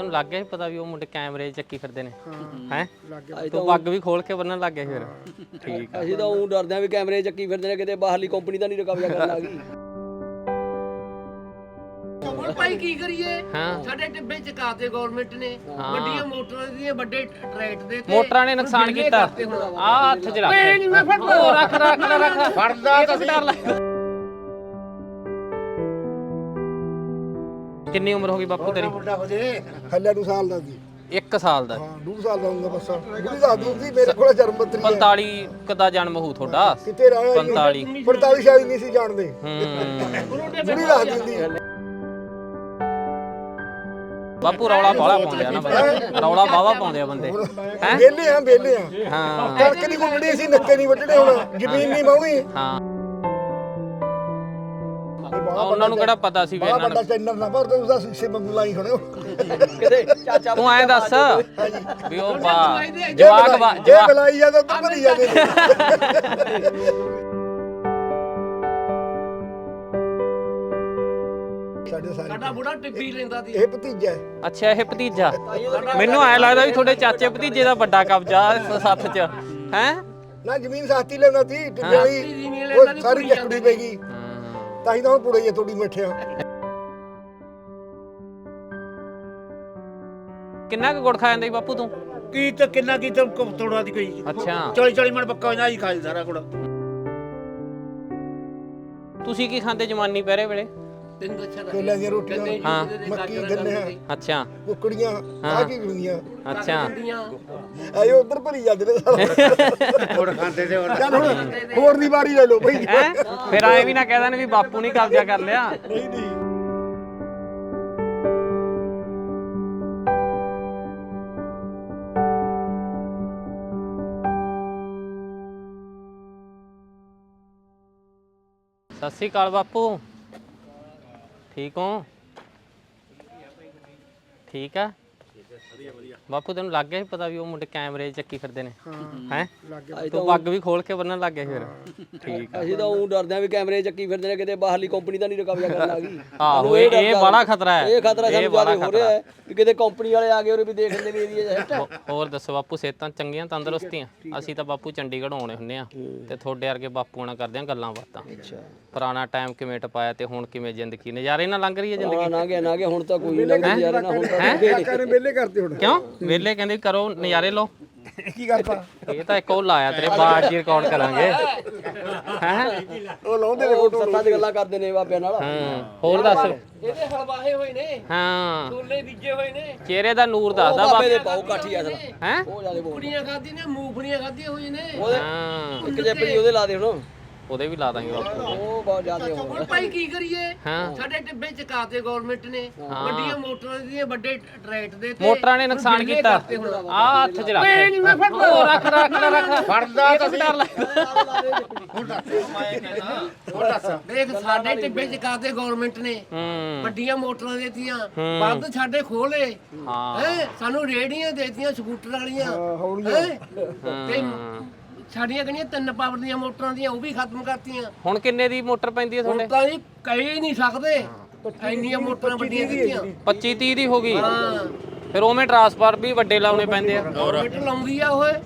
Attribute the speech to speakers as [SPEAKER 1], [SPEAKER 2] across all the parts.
[SPEAKER 1] ਤੈਨੂੰ ਲੱਗ ਗਿਆ ਪਤਾ ਵੀ ਉਹ ਮੁੰਡੇ ਕੈਮਰੇ ਚੱਕੀ ਫਿਰਦੇ ਨੇ ਹੈ ਤੂੰ ਪੱਗ ਵੀ ਖੋਲ ਕੇ ਬੰਨਣ ਲੱਗ ਗਿਆ ਫਿਰ ਠੀਕ ਆ
[SPEAKER 2] ਅਸੀਂ ਤਾਂ ਉਹ ਡਰਦੇ ਆ ਵੀ ਕੈਮਰੇ ਚੱਕੀ ਫਿਰਦੇ ਨੇ ਕਿਤੇ ਬਾਹਰਲੀ ਕੰਪਨੀ ਤਾਂ ਨਹੀਂ ਕਬਜ਼ਾ ਕਰਨ ਆ ਗਈ
[SPEAKER 3] ਹੁਣ ਭਾਈ ਕੀ ਕਰੀਏ ਸਾਡੇ ਟਿੱਬੇ ਚਕਾਤੇ ਗਵਰਨਮੈਂਟ ਨੇ ਵੱਡੀਆਂ ਮੋਟਰਾਂ ਦੀਆਂ ਵੱਡੇ ਟਰੈਕਟ ਦੇ ਤੇ
[SPEAKER 1] ਮੋਟਰਾਂ ਨੇ ਨੁਕਸਾਨ ਕੀਤਾ ਆ ਹੱਥ 'ਚ ਰੱਖ
[SPEAKER 3] ਮੈਂ ਫੜ
[SPEAKER 1] ਉਹ ਰੱਖ
[SPEAKER 3] ਫੜਦਾ
[SPEAKER 1] ਤਾਂ ਡਰ ਲੱਗਦਾ ਕਿੰਨੀ ਉਮਰ ਹੋ ਗਈ ਬਾਪੂ ਤੇਰੀ
[SPEAKER 4] ਹੱਲੇ 2 ਸਾਲ ਦਾ ਸੀ
[SPEAKER 1] 1 ਸਾਲ ਦਾ
[SPEAKER 4] ਹਾਂ 2 ਸਾਲ ਦਾ ਹੁੰਦਾ ਬਸ ਬੁੜੀ ਦਾ ਦੂਰ ਸੀ ਮੇਰੇ ਕੋਲ ਜਨਮ ਪੱਤਰੀ ਹੈ
[SPEAKER 1] 45 ਕਦਾ ਜਨਮ ਹੋਊ ਤੁਹਾਡਾ
[SPEAKER 4] ਕਿਤੇ ਰਹਿ 45 ਸ਼ਾਇਦ ਨਹੀਂ ਸੀ ਜਾਣਦੇ ਬੁੜੀ ਦਾ ਦਿੰਦੀ
[SPEAKER 1] ਬਾਪੂ ਰੌਲਾ ਬਾਲਾ ਪਾਉਂਦੇ ਆ ਨਾ ਬੰਦੇ ਰੌਲਾ ਬਾਵਾ ਪਾਉਂਦੇ ਆ ਬੰਦੇ ਹੈ
[SPEAKER 4] ਵੇਲੇ ਆ
[SPEAKER 1] ਹਾਂ
[SPEAKER 4] ਕਣਕ ਦੀ ਗੁੰਡੜੀ ਸੀ ਨੱਕੇ ਨਹੀਂ ਵੱਢਣੇ ਹੁਣ ਜ਼ਮੀਨ ਨਹੀਂ ਮਾਉਣੀ
[SPEAKER 1] ਹਾਂ ਉਹਨਾਂ ਨੂੰ ਕਿਹੜਾ ਪਤਾ ਸੀ ਵੀ
[SPEAKER 4] ਬੜਾ
[SPEAKER 1] ਇਹਨਾਂ
[SPEAKER 4] ਵੱਡਾ ਚੈਨਲ ਨਾ ਪਰ ਤੁਸੀਂ ਦਾ ਸ਼ੀਸ਼ੇ ਵਾਂਗੂ ਲਾਈ ਖੜੇ ਹੋ
[SPEAKER 2] ਕਿਤੇ ਚਾਚਾ
[SPEAKER 1] ਤੂੰ ਐਂ ਦੱਸ ਵੀ ਉਹ
[SPEAKER 4] ਜੇ
[SPEAKER 1] ਜਵਾਕ
[SPEAKER 4] ਬੁਲਾਈ ਜਾਂਦਾ ਤਾਂ ਭਰੀ ਜਾਂਦੇ ਨੇ ਸਾਡੇ ਸਾਰੇ
[SPEAKER 3] ਸਾਡਾ ਬੁੜਾ ਟਿੱਬੀ ਲੈਂਦਾ ਸੀ
[SPEAKER 4] ਇਹ ਭਤੀਜਾ ਹੈ
[SPEAKER 1] ਅੱਛਾ ਇਹ ਭਤੀਜਾ ਮੈਨੂੰ ਐ ਲੱਗਦਾ ਵੀ ਤੁਹਾਡੇ ਚਾਚੇ ਭਤੀਜੇ ਦਾ ਵੱਡਾ ਕਬਜ਼ਾ ਸੱਥ 'ਚ ਹੈ
[SPEAKER 4] ਨਾ ਜ਼ਮੀਨ ਸਾਥੀ ਲੈਂਦਾ ਸੀ ਟਿੱਬੇ ਵਾਲੀ ਉਹ ਸਾਰੀ ਚੱਕੜੀ ਪੈ ਗਈ ਤਾਂ ਹੀ ਤਾਂ ਹੁਣ ਪੁੜੇ ਜੇ ਥੋੜੀ ਮਿੱਠਿਆ
[SPEAKER 1] ਕਿੰਨਾ ਕੁ ਗੁੜ ਖਾ ਜਾਂਦਾ ਬਾਪੂ ਤੂੰ
[SPEAKER 5] ਕੀ ਤਾਂ ਕਿੰਨਾ ਕੀ ਤਾਂ ਤੋੜਾ ਦੀ ਕੋਈ
[SPEAKER 1] ਅੱਛਾ
[SPEAKER 5] 40 ਮਣ ਪੱਕਾ ਹੁੰਦਾ ਹੀ ਖਾ ਜੀ ਸਾਰਾ ਕੁੜਾ
[SPEAKER 1] ਤੁਸੀਂ ਕੀ ਖਾਂਦੇ ਜਵਾਨੀ ਪਹਿਰੇ ਵੇਲੇ
[SPEAKER 3] ਤੈਨੂੰ ਦੱਸਿਆ ਤਾਂ
[SPEAKER 4] ਕੇਲਿਆਂ ਦੀਆਂ ਰੋਟੀਆਂ
[SPEAKER 1] ਹਾਂ
[SPEAKER 4] ਮੱਕੀ ਗੰਨੇ
[SPEAKER 1] ਅੱਛਾ
[SPEAKER 4] ਕੁਕੜੀਆਂ ਆ ਕੀ ਹੁੰਦੀਆਂ
[SPEAKER 1] ਅੱਛਾ
[SPEAKER 4] ਆਏ ਉਧਰ ਭਰੀ ਜਾਂਦੇ ਨੇ ਸਾਰਾ
[SPEAKER 5] ਗੁੜ ਖਾਂਦੇ ਤੇ
[SPEAKER 4] ਚੱਲ ਹੁਣ ਹੋਰ ਦੀ ਵਾਰੀ ਲੈ ਲਓ ਭਾਈ
[SPEAKER 1] ਹੈ ਫਿਰ ਐ ਵੀ ਨਾ ਕਹਿ ਦੇਣ ਵੀ ਬਾਪੂ ਨਹੀਂ ਕਬਜ਼ਾ ਕਰ ਲਿਆ
[SPEAKER 4] ਨਹੀਂ ਨਹੀਂ
[SPEAKER 1] ਸਤਿ ਸ੍ਰੀ ਅਕਾਲ ਬਾਪੂ ਠੀਕ ਹੋ ਠੀਕ ਆ ਬਾਪੂ ਤੈਨੂੰ ਲੱਗ ਗਿਆ ਪਤਾ ਵੀ ਉਹ ਮੁੰਡੇ ਕੈਮਰੇ ਚੱਕੀ ਫਿਰਦੇ ਨੇ ਹੈ ਤੂੰ ਪੱਗ ਵੀ ਖੋਲ ਕੇ ਬੰਨਣ ਲੱਗ ਗਿਆ ਫਿਰ ਠੀਕ ਆ
[SPEAKER 2] ਅਸੀਂ ਤਾਂ ਉਹ ਡਰਦੇ ਆ ਵੀ ਕੈਮਰੇ ਚੱਕੀ ਫਿਰਦੇ ਨੇ ਕਿਤੇ ਬਾਹਰਲੀ ਕੰਪਨੀ ਤਾਂ ਨਹੀਂ ਕਬਜ਼ਾ ਕਰਨ ਆ ਗਈ
[SPEAKER 1] ਆਹੋ ਇਹ ਬੜਾ ਖਤਰਾ ਹੈ
[SPEAKER 2] ਇਹ ਖਤਰਾ ਸਾਨੂੰ ਜ਼ਿਆਦਾ ਹੋ ਰਿਹਾ ਹੈ ਕਿ ਕਿਤੇ ਕੰਪਨੀ ਵਾਲੇ ਆ ਗਏ ਉਹ ਵੀ ਦੇਖ ਲੈਂਦੇ ਵੀ ਏਰੀਆ ਹੈ
[SPEAKER 1] ਹੋਰ ਦੱਸੋ ਬਾਪੂ ਸਿਹਤਾਂ ਚੰਗੀਆਂ ਤੰਦਰੁਸਤੀਆਂ ਅਸੀਂ ਤਾਂ ਬਾਪੂ ਚੰਡੀਗੜ੍ਹ ਆਉਣੇ ਹੁੰਨੇ ਆ ਤੇ ਤੁਹਾਡੇ ਵਰਗੇ ਬਾਪੂ ਨਾਲ ਕਰਦੇ ਆ ਗੱਲਾਂ ਬਾਤਾਂ ਪੁਰਾਣਾ ਟਾਈਮ ਕਿਵੇਂ ਟਪਾਇਆ ਤੇ ਹੁਣ ਕਿਵੇਂ ਜ਼ਿੰਦਗੀ ਨਜ਼ਾਰੇ ਨਾਲ ਲੰਘ ਰਹੀ ਹੈ ਜ਼ਿੰਦਗੀ
[SPEAKER 2] ਨਾ ਗਿਆ ਹੁਣ ਤਾਂ ਕੋਈ ਨਹੀਂ ਲੱਗਦਾ ਯਾਰ ਨਾ ਹੁਣ ਤਾਂ
[SPEAKER 4] ਕਾਕਾ ਨੇ ਵਿਹਲੇ ਕਰਦੇ ਹੁਣ
[SPEAKER 1] ਕਿਉਂ ਵੇਲੇ ਕਹਿੰਦੇ ਵੀ ਕਰੋ ਨਜ਼ਾਰੇ ਲਓ
[SPEAKER 4] ਕੀ ਕਰਤਾ
[SPEAKER 1] ਇਹ ਤਾਂ ਇੱਕ ਉਹ ਲਾਇਆ ਤੇਰੇ ਬਾਅਦ ਜੀ ਰਿਕਾਰਡ ਕਰਾਂਗੇ ਹੈ
[SPEAKER 4] ਉਹ ਲਾਉਂਦੇ ਨੇ
[SPEAKER 2] ਉਹ ਸੱਤਾਂ ਦੀ ਗੱਲਾਂ ਕਰਦੇ ਨੇ ਬਾਬਿਆਂ ਨਾਲ
[SPEAKER 1] ਹੋਰ ਦੱਸ
[SPEAKER 3] ਇਹਦੇ ਹਲਵਾਹੇ ਹੋਏ ਨੇ
[SPEAKER 1] ਹਾਂ
[SPEAKER 3] ਛੋਲੇ ਬੀਜੇ ਹੋਏ ਨੇ
[SPEAKER 1] ਚਿਹਰੇ ਦਾ ਨੂਰ ਦੱਸਦਾ
[SPEAKER 2] ਬਾਬੇ ਦੇ
[SPEAKER 1] ਬਾਪੂ
[SPEAKER 2] ਪਾਉ ਕਾਠੀ ਆ
[SPEAKER 1] ਹੈ
[SPEAKER 2] ਉਹ ਜਿਆਦੇ ਬੋਲ
[SPEAKER 3] ਕੁੜੀਆਂ ਖਾਧੀ ਨੇ ਮੂੰਗਫਲੀਆਂ ਖਾਧੀਆਂ ਹੋਈਆਂ ਨੇ
[SPEAKER 1] ਹਾਂ
[SPEAKER 2] ਇੱਕ ਜੇ ਪਈ ਉਹਦੇ ਲਾ ਦੇ ਹੁਣ
[SPEAKER 1] ਉਹਦੇ ਵੀ ਲਾ ਦਾਂਗੇ ਬਾਪੂ
[SPEAKER 2] ਉਹ ਬਹੁਤ ਜ਼ਿਆਦੇ ਹੋ
[SPEAKER 3] ਹੁਣ ਭਾਈ ਕੀ ਕਰੀਏ
[SPEAKER 1] ਹਾਂ
[SPEAKER 3] ਸਾਡੇ ਟਿੱਬੇ ਚਕਾਤੇ ਗਵਰਨਮੈਂਟ ਨੇ ਵੱਡੀਆਂ ਮੋਟਰਾਂ ਦੀਆਂ ਵੱਡੇ ਟਰੈਕਟ ਦੇ ਤੇ
[SPEAKER 1] ਮੋਟਰਾਂ ਨੇ ਨੁਕਸਾਨ ਕੀਤਾ ਆ ਹੱਥ 'ਚ ਰੱਖ
[SPEAKER 3] ਮੈਂ ਫੜ
[SPEAKER 1] ਉਹ ਰੱਖ
[SPEAKER 5] ਫੜਦਾ
[SPEAKER 1] ਤਾਂ ਡਰ ਲੱਗਦਾ
[SPEAKER 3] ਦੇਖ ਸਾਡੇ ਟਿੱਬੇ ਚਕਾਤੇ ਗਵਰਨਮੈਂਟ ਨੇ ਵੱਡੀਆਂ ਮੋਟਰਾਂ ਦੇਤੀਆਂ ਬੰਦ ਸਾਡੇ ਖੋਲੇ
[SPEAKER 1] ਹਾਂ
[SPEAKER 3] ਹੈ ਸਾਨੂੰ ਰੇੜੀਆਂ ਦੇਤੀਆਂ ਸਕੂਟਰ ਵਾਲੀਆਂ ਹੈਂ? ਤੇ ਸਾਡੀਆਂ ਕਿਹੜੀਆਂ 3 ਪਾਵਰ ਦੀਆਂ ਮੋਟਰਾਂ ਦੀਆਂ ਉਹ ਵੀ ਖਤਮ ਕਰਤੀਆਂ
[SPEAKER 1] ਹੁਣ ਕਿੰਨੇ ਦੀ ਮੋਟਰ ਪੈਂਦੀ ਹੈ
[SPEAKER 3] ਹੁਣ
[SPEAKER 1] ਤੁਹਾਡੇ
[SPEAKER 3] ਤਾਂ ਜੀ ਕਹੀ ਨਹੀਂ ਸਕਦੇ ਇੰਨੀਆਂ ਮੋਟਰਾਂ ਵੱਡੀਆਂ ਦਿੱਤੀਆਂ
[SPEAKER 1] 25 30 ਦੀ ਹੋ ਗਈ ਫਿਰ ਉਵੇਂ ਟਰਾਂਸਫਾਰ ਵੀ ਵੱਡੇ ਲਾਉਣੇ ਪੈਂਦੇ ਆ
[SPEAKER 3] ਗਵਰਨਮੈਂਟ ਲਾਉਂਦੀ ਆ ਓਏ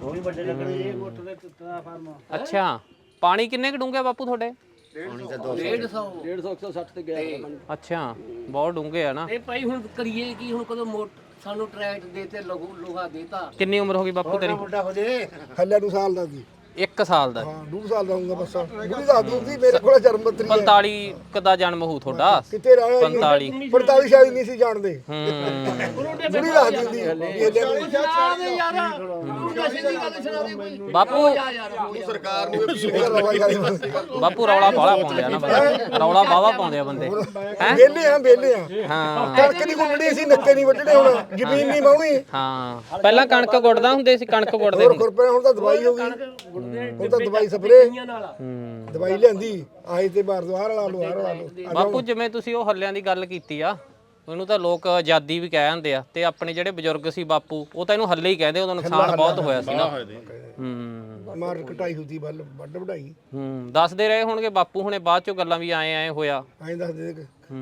[SPEAKER 1] ਅੱਛਾ ਪਾਣੀ ਕਿੰਨੇ ਕੁ ਡੂੰਘੇ ਬਾਪੂ ਤੁਹਾਡੇ
[SPEAKER 3] 150
[SPEAKER 2] 160 ਤੇ ਗਿਆ
[SPEAKER 1] ਅੱਛਾ ਬਹੁਤ ਡੂੰਘੇ ਆ ਨਾ
[SPEAKER 3] ਇਹ ਭਾਈ ਹੁਣ ਕਰੀਏ ਕੀ ਹੁਣ ਕਦੋਂ ਸਾਨੂੰ ਟਰੈਕਟ ਦੇਤੇ ਲੋਹਾ ਦੇਤਾ
[SPEAKER 1] ਕਿੰਨੀ ਉਮਰ ਹੋ ਗਈ ਬਾਪੂ ਤੇਰੀ
[SPEAKER 5] ਮੁੰਡਾ ਹੋ ਜੇ
[SPEAKER 4] ਹੱਲੇ 2 ਸਾਲ ਦਾ ਸੀ
[SPEAKER 1] 1 ਸਾਲ ਦਾ
[SPEAKER 4] ਹਾਂ 2 ਸਾਲ ਦਾ ਹੁੰਦਾ ਬਸ ਬੁੜੀ ਦਾ ਦੂਰ ਸੀ ਮੇਰੇ ਕੋਲ ਜਨਮ ਪੱਤਰੀ ਹੈ
[SPEAKER 1] 45 ਕਦਾ ਜਨਮ ਹੋਊ ਤੁਹਾਡਾ
[SPEAKER 4] ਕਿਤੇ ਰਹਿ
[SPEAKER 1] 45
[SPEAKER 4] 45 ਸ਼ਾਇਦ ਨਹੀਂ ਸੀ ਜਾਣਦੇ
[SPEAKER 1] ਹੂੰ
[SPEAKER 4] ਬੁੜੀ ਦਾ ਦਿੰਦੀ ਕੇਲਿਆਂ ਦੀ
[SPEAKER 3] ਸੁਣਾ ਦੇ ਯਾਰ ਤੂੰ ਨਸ਼ੇ ਦੀ ਗੱਲ ਸੁਣਾ ਦੇ ਕੋਈ
[SPEAKER 1] ਬਾਪੂ
[SPEAKER 3] ਸਰਕਾਰ
[SPEAKER 1] ਬਾਪੂ ਰੌਲਾ ਬਾਲਾ ਪਾਉਂਦੇ ਆ ਨਾ ਬੰਦੇ ਰੌਲਾ ਬਾਵਾ ਪਾਉਂਦੇ ਆ ਬੰਦੇ ਹੈ
[SPEAKER 4] ਵੇਲੇ ਆ
[SPEAKER 1] ਹਾਂ
[SPEAKER 4] ਕਣਕ ਦੀ ਗੁੰਡੜੀ ਸੀ ਨੱਕੇ ਨਹੀਂ ਵੱਢਣੇ ਹੁਣ ਜ਼ਮੀਨ ਨਹੀਂ ਮਾਉਣੀ
[SPEAKER 1] ਹਾਂ ਪਹਿਲਾਂ ਕਣਕ ਗੁੱਡਦਾ ਹੁੰਦੇ ਸੀ ਕਣਕ ਗੁੱਡਦੇ
[SPEAKER 4] ਹੋਰ ਖੁਰਪੇ ਹੁਣ ਤਾਂ ਦਵਾਈ ਹੋ ਗਈ ਹੁਣ ਤਾਂ ਦਵਾਈ ਸਪਰੇ ਦਵਾਈ ਲਿਆਂਦੀ ਆਹੀ ਤੇ ਬਾਰਦਵਾਰ ਵਾਲਾ ਲੋਹਾਰ ਵਾਲਾ ਲੋ
[SPEAKER 1] ਬਾਪੂ ਜਿਵੇਂ ਤੁਸੀਂ ਉਹ ਹੱਲਿਆਂ ਦੀ ਗੱਲ ਕੀਤੀ ਆ ਉਹਨੂੰ ਤਾਂ ਲੋਕ ਆਜ਼ਾਦੀ ਵੀ ਕਹਿ ਜਾਂਦੇ ਆ ਤੇ ਆਪਣੇ ਜਿਹੜੇ ਬਜ਼ੁਰਗ ਸੀ ਬਾਪੂ ਉਹ ਤਾਂ ਇਹਨੂੰ ਹੱਲੇ ਹੀ ਕਹਿੰਦੇ ਉਦੋਂ ਨੁਕਸਾਨ ਬਹੁਤ ਹੋਇਆ ਸੀ ਨਾ
[SPEAKER 4] ਮਾਰ ਕਟਾਈ ਹੁੰਦੀ ਵੱਡ ਵਢਾਈ
[SPEAKER 1] ਦੱਸਦੇ ਰਹੇ ਹੋਣਗੇ ਬਾਪੂ ਹੁਣੇ ਬਾਅਦ ਚੋਂ ਗੱਲਾਂ ਵੀ ਆਏ ਹੋਇਆ
[SPEAKER 4] ਐਂ ਦੱਸਦੇ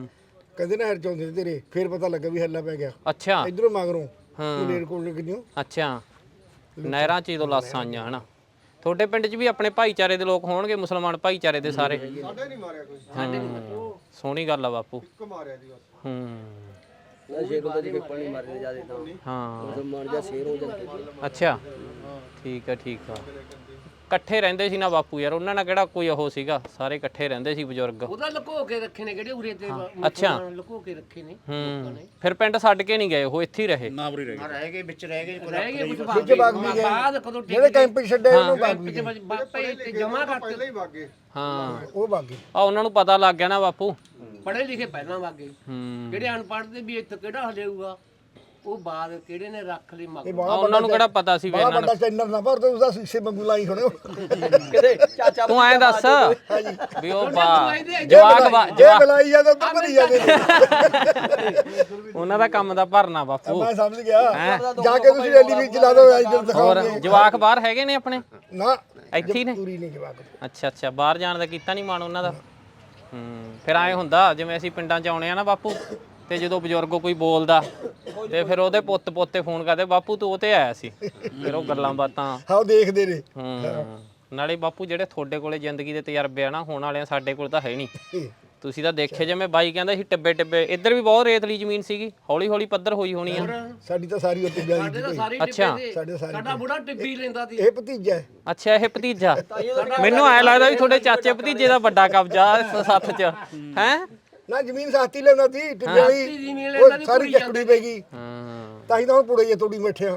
[SPEAKER 4] ਕਹਿੰਦੇ ਨਹਿਰ ਚੋਂਦੇ ਤੇ ਤੇਰੇ ਫੇਰ ਪਤਾ ਲੱਗਾ ਵੀ ਹੱਲਾ ਪੈ ਗਿਆ
[SPEAKER 1] ਅੱਛਾ
[SPEAKER 4] ਇਧਰੋਂ ਮਗਰੋਂ
[SPEAKER 1] ਹਾਂ
[SPEAKER 4] ਮਲੇਰ ਕੋਲ ਕਿੰਨਿਓ
[SPEAKER 1] ਅੱਛਾ ਨਹਿਰਾਂ 'ਚ ਹੀ ਤੋਂ ਲਾਸਾਂ ਆਈਆਂ ਹਨਾ ਤੁਹਾਡੇ ਪਿੰਡ 'ਚ ਵੀ ਆਪਣੇ ਭਾਈਚਾਰੇ ਦੇ ਲੋਕ ਹੋਣਗੇ ਮੁਸਲਮਾਨ ਭਾਈਚਾਰੇ ਦੇ ਸਾਰੇ
[SPEAKER 2] ਸਾਡੇ ਨਹੀਂ ਮਾਰਿਆ ਕੋਈ
[SPEAKER 1] ਸੋਹਣੀ ਗੱਲ ਆ ਬਾਪੂ
[SPEAKER 2] ਇੱਕ ਮਾਰਿਆ ਜੀ ਬਸ
[SPEAKER 1] ਹੂੰ
[SPEAKER 2] ਸ਼ੇਰ ਉਹਦੇ ਜਿਹੜੇ ਪਾਣੀ ਮਾਰਦੇ ਜਿਆਦੇ ਤਾਂ
[SPEAKER 1] ਹਾਂ
[SPEAKER 2] ਮੁਸਲਮਾਨ ਜਾਂ ਸ਼ੇਰ ਹੋ ਜਾਂਦੇ
[SPEAKER 1] ਅੱਛਾ ਠੀਕ ਆ ਇਕੱਠੇ ਰਹਿੰਦੇ ਸੀ ਨਾ ਬਾਪੂ ਯਾਰ ਉਹਨਾਂ ਨਾਲ ਕਿਹੜਾ ਕੋਈ ਉਹ ਸੀਗਾ ਸਾਰੇ ਇਕੱਠੇ ਰਹਿੰਦੇ ਸੀ ਬਜ਼ੁਰਗ
[SPEAKER 3] ਉਹਦਾ ਲੁਕੋ ਕੇ ਰੱਖੇ ਨੇ ਕਿਹੜੇ ਉਰੇ ਤੇ
[SPEAKER 1] ਅੱਛਾ
[SPEAKER 3] ਲੁਕੋ ਕੇ ਰੱਖੇ ਨੇ
[SPEAKER 1] ਹੂੰ ਫਿਰ ਪਿੰਡ ਛੱਡ ਕੇ ਨਹੀਂ ਗਏ ਉਹ ਇੱਥੇ ਹੀ ਰਹੇ
[SPEAKER 5] ਨਾ ਬਰੀ ਰਹਿ ਗਏ ਵਿੱਚ ਰਹਿ ਗਏ
[SPEAKER 3] ਰਹਿ ਗਏ ਕੁਝ
[SPEAKER 4] ਵਿੱਚ ਬਾਗ ਵੀ ਗਏ
[SPEAKER 3] ਬਾਅਦ ਕਦੋਂ
[SPEAKER 4] ਜਿਹੜੇ ਕੈਂਪ 'ਚ ਛੱਡੇ ਉਹਨੂੰ ਬਾਗ ਵੀ ਗਏ
[SPEAKER 3] ਬਾਪੇ ਜਮਾ ਕਰਤੇ
[SPEAKER 2] ਪਹਿਲਾਂ ਹੀ ਵਾਗੇ
[SPEAKER 1] ਹਾਂ
[SPEAKER 4] ਉਹ ਬਾਗੀ
[SPEAKER 1] ਆ ਉਹਨਾਂ ਨੂੰ ਪਤਾ ਲੱਗ ਗਿਆ ਨਾ ਬਾਪੂ
[SPEAKER 3] ਪੜ੍ਹੇ ਲਿਖੇ ਪਹਿਲਾਂ ਵਾਗੇ
[SPEAKER 1] ਹੂੰ
[SPEAKER 3] ਜਿਹੜੇ ਅਨਪੜ੍ਹ ਦੇ ਵੀ ਇੱਥੇ ਕਿਹੜਾ ਹਲੇਊਗਾ ਉਹ ਬਾਅਦ ਕਿਹੜੇ ਨੇ ਰੱਖ ਲਈ ਮਗ
[SPEAKER 1] ਆ ਉਹਨਾਂ ਨੂੰ ਕਿਹੜਾ ਪਤਾ ਸੀ ਵੀ
[SPEAKER 4] ਬੜਾ
[SPEAKER 1] ਇਹਨਾਂ
[SPEAKER 4] ਵੱਡਾ ਚੈਨਲ ਨਾ ਪਰ ਉਸਦਾ ਸ਼ੀਸ਼ੇ ਵਾਂਗੂ ਲਾਈ ਖੜੇ ਹੋ
[SPEAKER 2] ਕਿਤੇ ਚਾਚਾ
[SPEAKER 1] ਤੂੰ ਐਂ ਦੱਸ ਵੀ ਉਹ
[SPEAKER 4] ਜੇ
[SPEAKER 1] ਜਵਾਕ
[SPEAKER 4] ਬੁਲਾਈ ਜਾਂਦਾ ਤਾਂ ਭਰੀ ਜਾਂਦੇ ਨੇ
[SPEAKER 1] ਉਹਨਾਂ ਦਾ ਕੰਮ ਦਾ ਭਰਨਾ ਬਾਪੂ
[SPEAKER 4] ਮੈਂ ਸਮਝ ਗਿਆ ਜਾ ਕੇ ਤੁਸੀਂ ਰੈਲੀ ਵਿੱਚ ਲਾ ਦਿਓ ਇੱਧਰ
[SPEAKER 1] ਹੋਰ
[SPEAKER 4] ਦਿਖਾਓਗੇ
[SPEAKER 1] ਜਵਾਕ ਬਾਹਰ ਹੈਗੇ ਨੇ ਆਪਣੇ
[SPEAKER 4] ਨਾ
[SPEAKER 1] ਇੱਥੇ ਹੀ ਨੇ
[SPEAKER 4] ਪੂਰੀ ਨਹੀਂ ਜਵਾਕ
[SPEAKER 1] ਅੱਛਾ ਬਾਹਰ ਜਾਣ ਦਾ ਕੀਤਾ ਨਹੀਂ ਮਾਣ ਉਹਨਾਂ ਦਾ ਫਿਰ ਐਂ ਹੁੰਦਾ ਜਿਵੇਂ ਅਸੀਂ ਪਿੰਡਾਂ 'ਚ ਆਉਣੇ ਆ ਨਾ ਬਾਪੂ ਤੇ ਜਦੋਂ ਬਜ਼ੁਰਗ ਕੋਈ ਬੋਲਦਾ ਤੇ ਫਿਰ ਉਹਦੇ ਪੁੱਤ ਪੋਤੇ ਫੋਨ ਕਰਦੇ ਬਾਪੂ ਤੂੰ ਉਹ ਤੇ ਆਇਆ ਸੀ ਫਿਰ ਉਹ ਗੱਲਾਂ ਬਾਤਾਂ
[SPEAKER 4] ਹਾਂ ਉਹ ਦੇਖਦੇ ਨੇ
[SPEAKER 1] ਨਾਲੇ ਬਾਪੂ ਜਿਹੜੇ ਤੁਹਾਡੇ ਕੋਲੇ ਜ਼ਿੰਦਗੀ ਦੇ ਤਜਰਬੇ ਆ ਨਾ ਹੋਣ ਵਾਲਿਆਂ ਸਾਡੇ ਕੋਲ ਤਾਂ ਹੈ ਨਹੀਂ ਤੁਸੀਂ ਤਾਂ ਦੇਖੇ ਜਿਵੇਂ ਬਾਈ ਕਹਿੰਦਾ ਸੀ ਟਿੱਬੇ ਇੱਧਰ ਵੀ ਬਹੁਤ ਰੇਤਲੀ ਜ਼ਮੀਨ ਸੀਗੀ ਹੌਲੀ ਹੌਲੀ ਪੱਧਰ ਹੋਈ ਹੋਣੀ ਆ
[SPEAKER 4] ਸਾਡੀ ਤਾਂ ਸਾਰੀ ਉੱਤੇ ਗਿਆ
[SPEAKER 3] ਸਾਡੇ ਤਾਂ ਸਾਰੇ
[SPEAKER 1] ਅੱਛਾ
[SPEAKER 4] ਸਾਡੇ ਸਾਰੇ
[SPEAKER 3] ਸਾਡਾ ਬੁੜਾ ਟਿੱਬੀ ਲੈਂਦਾ ਸੀ
[SPEAKER 4] ਇਹ ਭਤੀਜਾ ਹੈ
[SPEAKER 1] ਅੱਛਾ ਇਹ ਭਤੀਜਾ ਮੈਨੂੰ ਐ ਲੱਗਦਾ ਵੀ ਤੁਹਾਡੇ ਚਾਚੇ ਭਤੀਜੇ ਦਾ ਵੱਡਾ ਕਬਜ਼ਾ ਇਸ ਸੱਥ 'ਚ ਹੈ
[SPEAKER 4] ਨਾ ਜ਼ਮੀਨ ਸਾਥੀ ਲੈਣਾ ਸੀ ਟਿੱਬੇ ਵਾਲੀ
[SPEAKER 3] ਜ਼ਮੀਨ
[SPEAKER 4] ਉਹ ਸਾਰੀ ਚੱਕੜੀ ਪੈ ਗਈ
[SPEAKER 1] ਹਾਂ
[SPEAKER 4] ਤਾਂ ਹੀ ਤਾਂ ਹੁਣ ਪੁੜੇ ਜੇ ਤੋੜੀ ਬੈਠਿਆ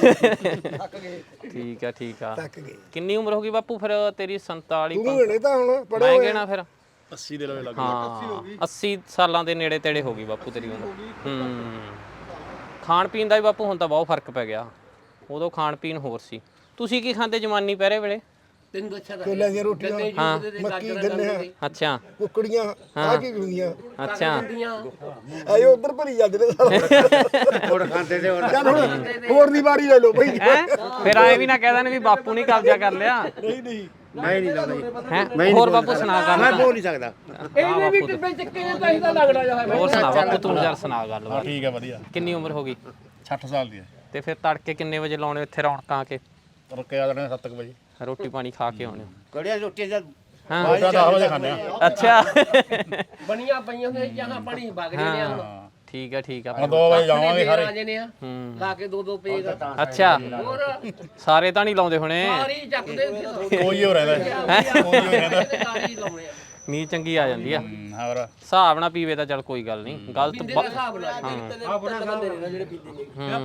[SPEAKER 1] ਠੀਕ ਆ
[SPEAKER 4] ਤੱਕ ਗਏ
[SPEAKER 1] ਕਿੰਨੀ ਉਮਰ ਹੋ ਗਈ ਬਾਪੂ ਫਿਰ ਤੇਰੀ 47
[SPEAKER 4] ਤੂੰ ਹਣੇ ਤਾਂ ਹੁਣ ਪੜਿਆ
[SPEAKER 1] ਮੈਂ
[SPEAKER 4] ਹੋਇਆ
[SPEAKER 1] ਗਏ ਨਾ ਫਿਰ
[SPEAKER 5] 80 ਦੇ ਲਵੇ ਲੱਗ
[SPEAKER 1] ਹਾਂ 80 ਸਾਲਾਂ ਦੇ ਨੇੜੇ ਤੇੜੇ ਹੋ ਗਈ ਬਾਪੂ ਤੇਰੀ ਉਮਰ ਖਾਣ ਪੀਣ ਦਾ ਵੀ ਬਾਪੂ ਹੁਣ ਤਾਂ ਬਹੁਤ ਫਰਕ ਪੈ ਗਿਆ ਉਦੋਂ ਖਾਣ ਪੀਣ ਹੋਰ ਸੀ ਤੁਸੀਂ ਕੀ ਖਾਂਦੇ ਜਵਾਨੀ ਪਹਿਰੇ ਵੇਲੇ
[SPEAKER 3] ਤੈਨੂੰ ਦੱਸਿਆ ਤਾਂ
[SPEAKER 4] ਕੋਲਿਆਂ ਦੀਆਂ ਰੋਟੀਆਂ ਮੱਕੀ ਗੰਨੇ
[SPEAKER 1] ਅੱਛਾ
[SPEAKER 4] ਕੁੱਕੜੀਆਂ ਆ ਕੀ ਹੁੰਦੀਆਂ
[SPEAKER 1] ਅੱਛਾ
[SPEAKER 4] ਆਏ ਉਧਰ ਭਰੀ ਜਾਂਦੇ ਨੇ ਸਾਰਾ
[SPEAKER 5] ਹੋਰ ਖਾਂਦੇ ਤੇ ਹੋਰ
[SPEAKER 4] ਚੱਲ ਹੁਣ ਹੋਰ ਦੀ ਵਾਰੀ ਲੈ ਲਓ ਭਾਈ
[SPEAKER 1] ਹੈ ਫਿਰ ਐ ਵੀ ਨਾ ਕਹਿ ਦੇਣ ਵੀ ਬਾਪੂ ਨਹੀਂ ਕਬਜ਼ਾ ਕਰ ਲਿਆ
[SPEAKER 4] ਨਹੀਂ
[SPEAKER 5] ਮੈਂ ਨਹੀਂ ਲਾਉਂਦਾ
[SPEAKER 1] ਹੈ ਹੋਰ ਬਾਪੂ ਸੁਣਾ
[SPEAKER 5] ਮੈਂ
[SPEAKER 1] ਗੱਲ
[SPEAKER 5] ਬੋਲ ਨਹੀਂ ਸਕਦਾ
[SPEAKER 3] ਇਹਨੇ ਵੀ ਟਿੱਬੇ ਚੱਕੇ ਨੇ ਤਾਂ ਇਹਦਾ ਲੱਗਦਾ ਜਾ
[SPEAKER 1] ਹੋਰ ਸੁਣਾ ਬਾਪੂ ਤੂੰ ਯਾਰ ਸੁਣਾ ਗੱਲ
[SPEAKER 5] ਠੀਕ ਹੈ ਵਧੀਆ
[SPEAKER 1] ਕਿੰਨੀ ਉਮਰ ਹੋ ਗਈ
[SPEAKER 5] 60 ਸਾਲ ਦੀ ਹੈ
[SPEAKER 1] ਤੇ ਫਿਰ ਤੜਕੇ ਕਿੰਨੇ ਵਜੇ ਲਾਉਣੇ ਇੱਥੇ ਰੌਣਕਾਂ ਆ ਕੇ
[SPEAKER 5] ਰੁਕੇ ਆ ਜਾਣੇ 7 ਵਜੇ
[SPEAKER 1] ਰੋਟੀ ਪਾਣੀ ਖਾ ਕੇ ਆਉਣੇ
[SPEAKER 5] ਕੜੀਆਂ ਰੋਟੀ ਜਦ
[SPEAKER 1] ਹਾਂ
[SPEAKER 5] 10 ਵਜੇ ਖਾਂਦੇ ਆ
[SPEAKER 1] ਅੱਛਾ
[SPEAKER 3] ਬਣੀਆਂ ਪਈਆਂ ਨੇ ਜਹਾਂ ਪਾਣੀ ਵਗ ਰਹੇ ਨੇ ਹੁਣ
[SPEAKER 1] ਠੀਕ ਆ
[SPEAKER 5] ਹੁਣ 2 ਵਜੇ ਜਾਵਾਂਗੇ ਸਾਰੇ
[SPEAKER 3] ਆ ਜਨੇ ਆ
[SPEAKER 1] ਹੂੰ
[SPEAKER 3] ਲਾ ਕੇ ਦੋ ਪੇਗ
[SPEAKER 1] ਅੱਛਾ
[SPEAKER 3] ਹੋਰ
[SPEAKER 1] ਸਾਰੇ ਤਾਂ ਨਹੀਂ ਲਾਉਂਦੇ ਹੁਣੇ
[SPEAKER 3] ਸਾਰੀ ਚੱਕਦੇ
[SPEAKER 5] ਕੋਈ ਹੋ ਰਹਿੰਦਾ
[SPEAKER 3] ਸਾਰੀ ਲਾਉਣੇ ਆ
[SPEAKER 1] ਨੀ ਚੰਗੀ ਆ ਜਾਂਦੀ ਆ
[SPEAKER 5] ਹੋਰ
[SPEAKER 1] ਹਿਸਾਬ ਨਾਲ ਪੀਵੇ ਤਾਂ ਚਲ ਕੋਈ ਗੱਲ ਨਹੀਂ ਗਲਤ
[SPEAKER 3] ਦੇ ਹਿਸਾਬ ਨਾਲ ਜਿਹੜੇ ਪੀਂਦੇ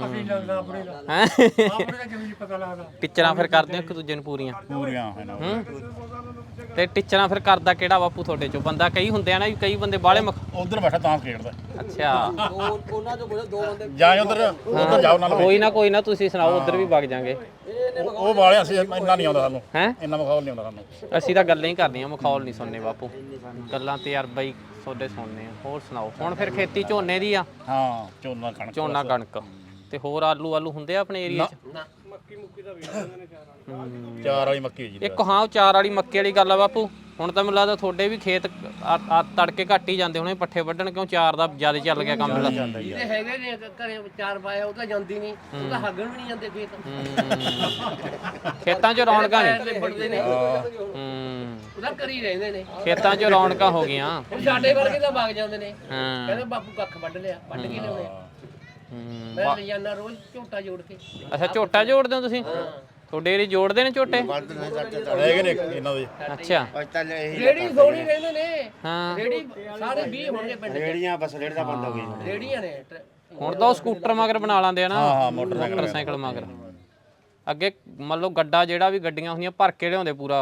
[SPEAKER 1] ਟੀਚਰਾਂ ਫਿਰ ਕਰਦੇ ਹੋ ਇੱਕ ਦੂਜੇ ਨੂੰ ਪੂਰੀਆਂ
[SPEAKER 5] ਪੂਰੀਆਂ ਹੈ ਨਾ
[SPEAKER 1] ਤੇ ਟੀਚਰਾਂ ਫਿਰ ਕਰਦਾ ਕਿਹੜਾ ਬਾਪੂ ਤੁਹਾਡੇ ਚੋਂ ਬੰਦਾ ਕਈ ਹੁੰਦੇ ਆ ਨਾ ਵੀ ਕਈ ਬੰਦੇ ਬਾਹਲੇ
[SPEAKER 5] ਉਧਰ ਬੈਠਾ ਤਾਂ ਖੇਡਦਾ
[SPEAKER 1] ਅੱਛਾ
[SPEAKER 3] ਉਹਨਾਂ ਚੋਂ ਦੋ ਬੰਦੇ
[SPEAKER 5] ਜਾਂ ਉਧਰ ਜਾਓ ਨਾਲ
[SPEAKER 1] ਕੋਈ ਨਾ ਤੁਸੀਂ ਸੁਣਾਓ ਉਧਰ ਵੀ ਵਗ ਜਾਾਂਗੇ
[SPEAKER 5] ਉਹ ਵਾਲੇ ਅਸੀਂ ਇੰਨਾ ਨਹੀਂ ਆਉਂਦਾ ਸਾਨੂੰ
[SPEAKER 1] ਹੈ
[SPEAKER 5] ਇੰਨਾ ਮਖੌਲ ਨਹੀਂ ਆਉਂਦਾ ਸਾਨੂੰ
[SPEAKER 1] ਅਸੀਂ ਤਾਂ ਗੱਲਾਂ ਹੀ ਕਰਨੀਆਂ ਮਖੌਲ ਨਹੀਂ ਸੁਣਨੇ ਬਾਪੂ ਗੱਲਾਂ ਤੇ ਯਾਰ ਬਾਈ ਤੁਹਾਡੇ ਸੁਣਨੇ ਆ ਹੋਰ ਸੁਣਾਓ ਹੁਣ ਫਿਰ ਖੇਤੀ ਝੋਨੇ ਦੀ ਆ
[SPEAKER 5] ਹਾਂ ਝੋਨਾ ਕਣਕ
[SPEAKER 1] ਝੋਨਾ ਕਣਕ ਤੇ ਹੋਰ ਆਲੂ ਹੁੰਦੇ ਆ ਆਪਣੇ ਏਰੀਆ 'ਚ
[SPEAKER 5] ਚਾਰ ਵਾਲੀ ਮੱਕੀ ਜੀ
[SPEAKER 1] ਇੱਕ ਹਾਂ ਉਹ ਚਾਰ ਵਾਲੀ ਮੱਕੇ ਵਾਲੀ ਗੱਲ ਆ ਬਾਪੂ ਹੁਣ ਤਾਂ ਮੈਨੂੰ ਲੱਗਦਾ ਤੁਹਾਡੇ ਵੀ ਖੇਤ ਤੜਕੇ ਘੱਟ ਹੀ ਜਾਂਦੇ ਹੋਣੇ ਪੱਠੇ ਵੱਢਣ ਕਿਉਂ ਚਾਰ ਦਾ ਜ਼ਿਆਦਾ ਚੱਲ ਗਿਆ ਕੰਮ
[SPEAKER 3] ਜਿਹੜੇ ਹੈਗੇ ਨੇ ਘਰੇ ਚਾਰ ਪਾਇਆ ਉਹ ਤਾਂ ਜਾਂਦੀ ਨਹੀਂ ਉਹ ਤਾਂ ਹੱਗਣ ਵੀ ਨਹੀਂ ਜਾਂਦੇ ਖੇਤ
[SPEAKER 1] ਖੇਤਾਂ 'ਚ ਰੌਣਕਾਂ ਨੇ
[SPEAKER 3] ਲਿਬੜਦੇ ਨੇ ਉਹਦਾ ਕਰੀ ਰਹਿੰਦੇ ਨੇ
[SPEAKER 1] ਖੇਤਾਂ 'ਚ ਰੌਣਕਾਂ ਹੋ ਗਈਆਂ
[SPEAKER 3] ਹੁਣ ਸਾਡੇ ਵਰਗੇ ਤਾਂ ਵਗ ਜਾਂਦੇ ਨੇ
[SPEAKER 1] ਹਾਂ
[SPEAKER 3] ਕਹਿੰਦੇ ਬਾਪੂ ਕੱਖ ਵੱਢ ਲਿਆ ਵੱਢ ਕੇ ਲਿਆਉਣੇ ਮੈਂ ਲੈ ਜਾਂਦਾ ਰੋਜ਼ ਝੋਟਾ ਜੋੜ ਕੇ
[SPEAKER 1] ਅੱਛਾ ਝੋਟਾ ਜੋੜਦੇ ਹੋ ਤੁਸੀਂ ਤੁਹਾਡੇ ਏਰੀ ਜੋੜਦੇ ਨੇ ਝੋਟੇ
[SPEAKER 5] ਰਹਿ ਗਏ ਨੇ ਇਹਨਾਂ ਦੇ
[SPEAKER 1] ਅੱਛਾ
[SPEAKER 3] ਰੇੜੀ ਸੋਣੀ ਰਹਿੰਦੇ ਨੇ
[SPEAKER 1] ਹਾਂ
[SPEAKER 3] ਰੇੜੀ ਸਾਰੇ 20 ਹੋਣਗੇ ਪਿੰਡ ਚ
[SPEAKER 5] ਰੇੜੀਆਂ ਬਸ ਰੇੜ ਦਾ ਬੰਦ ਹੋ ਗਈ
[SPEAKER 3] ਰੇੜੀਆਂ ਨੇ
[SPEAKER 1] ਹੁਣ ਤਾਂ ਉਹ ਸਕੂਟਰ ਮਗਰ ਬਣਾ ਲਾਂਦੇ ਆ ਨਾ
[SPEAKER 5] ਹਾਂ
[SPEAKER 1] ਮੋਟਰਸਾਈਕਲ ਮਗਰ ਅੱਗੇ ਮੰਨ ਲਓ ਗੱਡਾ ਜਿਹੜਾ ਵੀ ਗੱਡੀਆਂ ਹੁੰਦੀਆਂ ਭਰ ਕੇ ਲਿਆਉਂਦੇ ਪੂਰਾ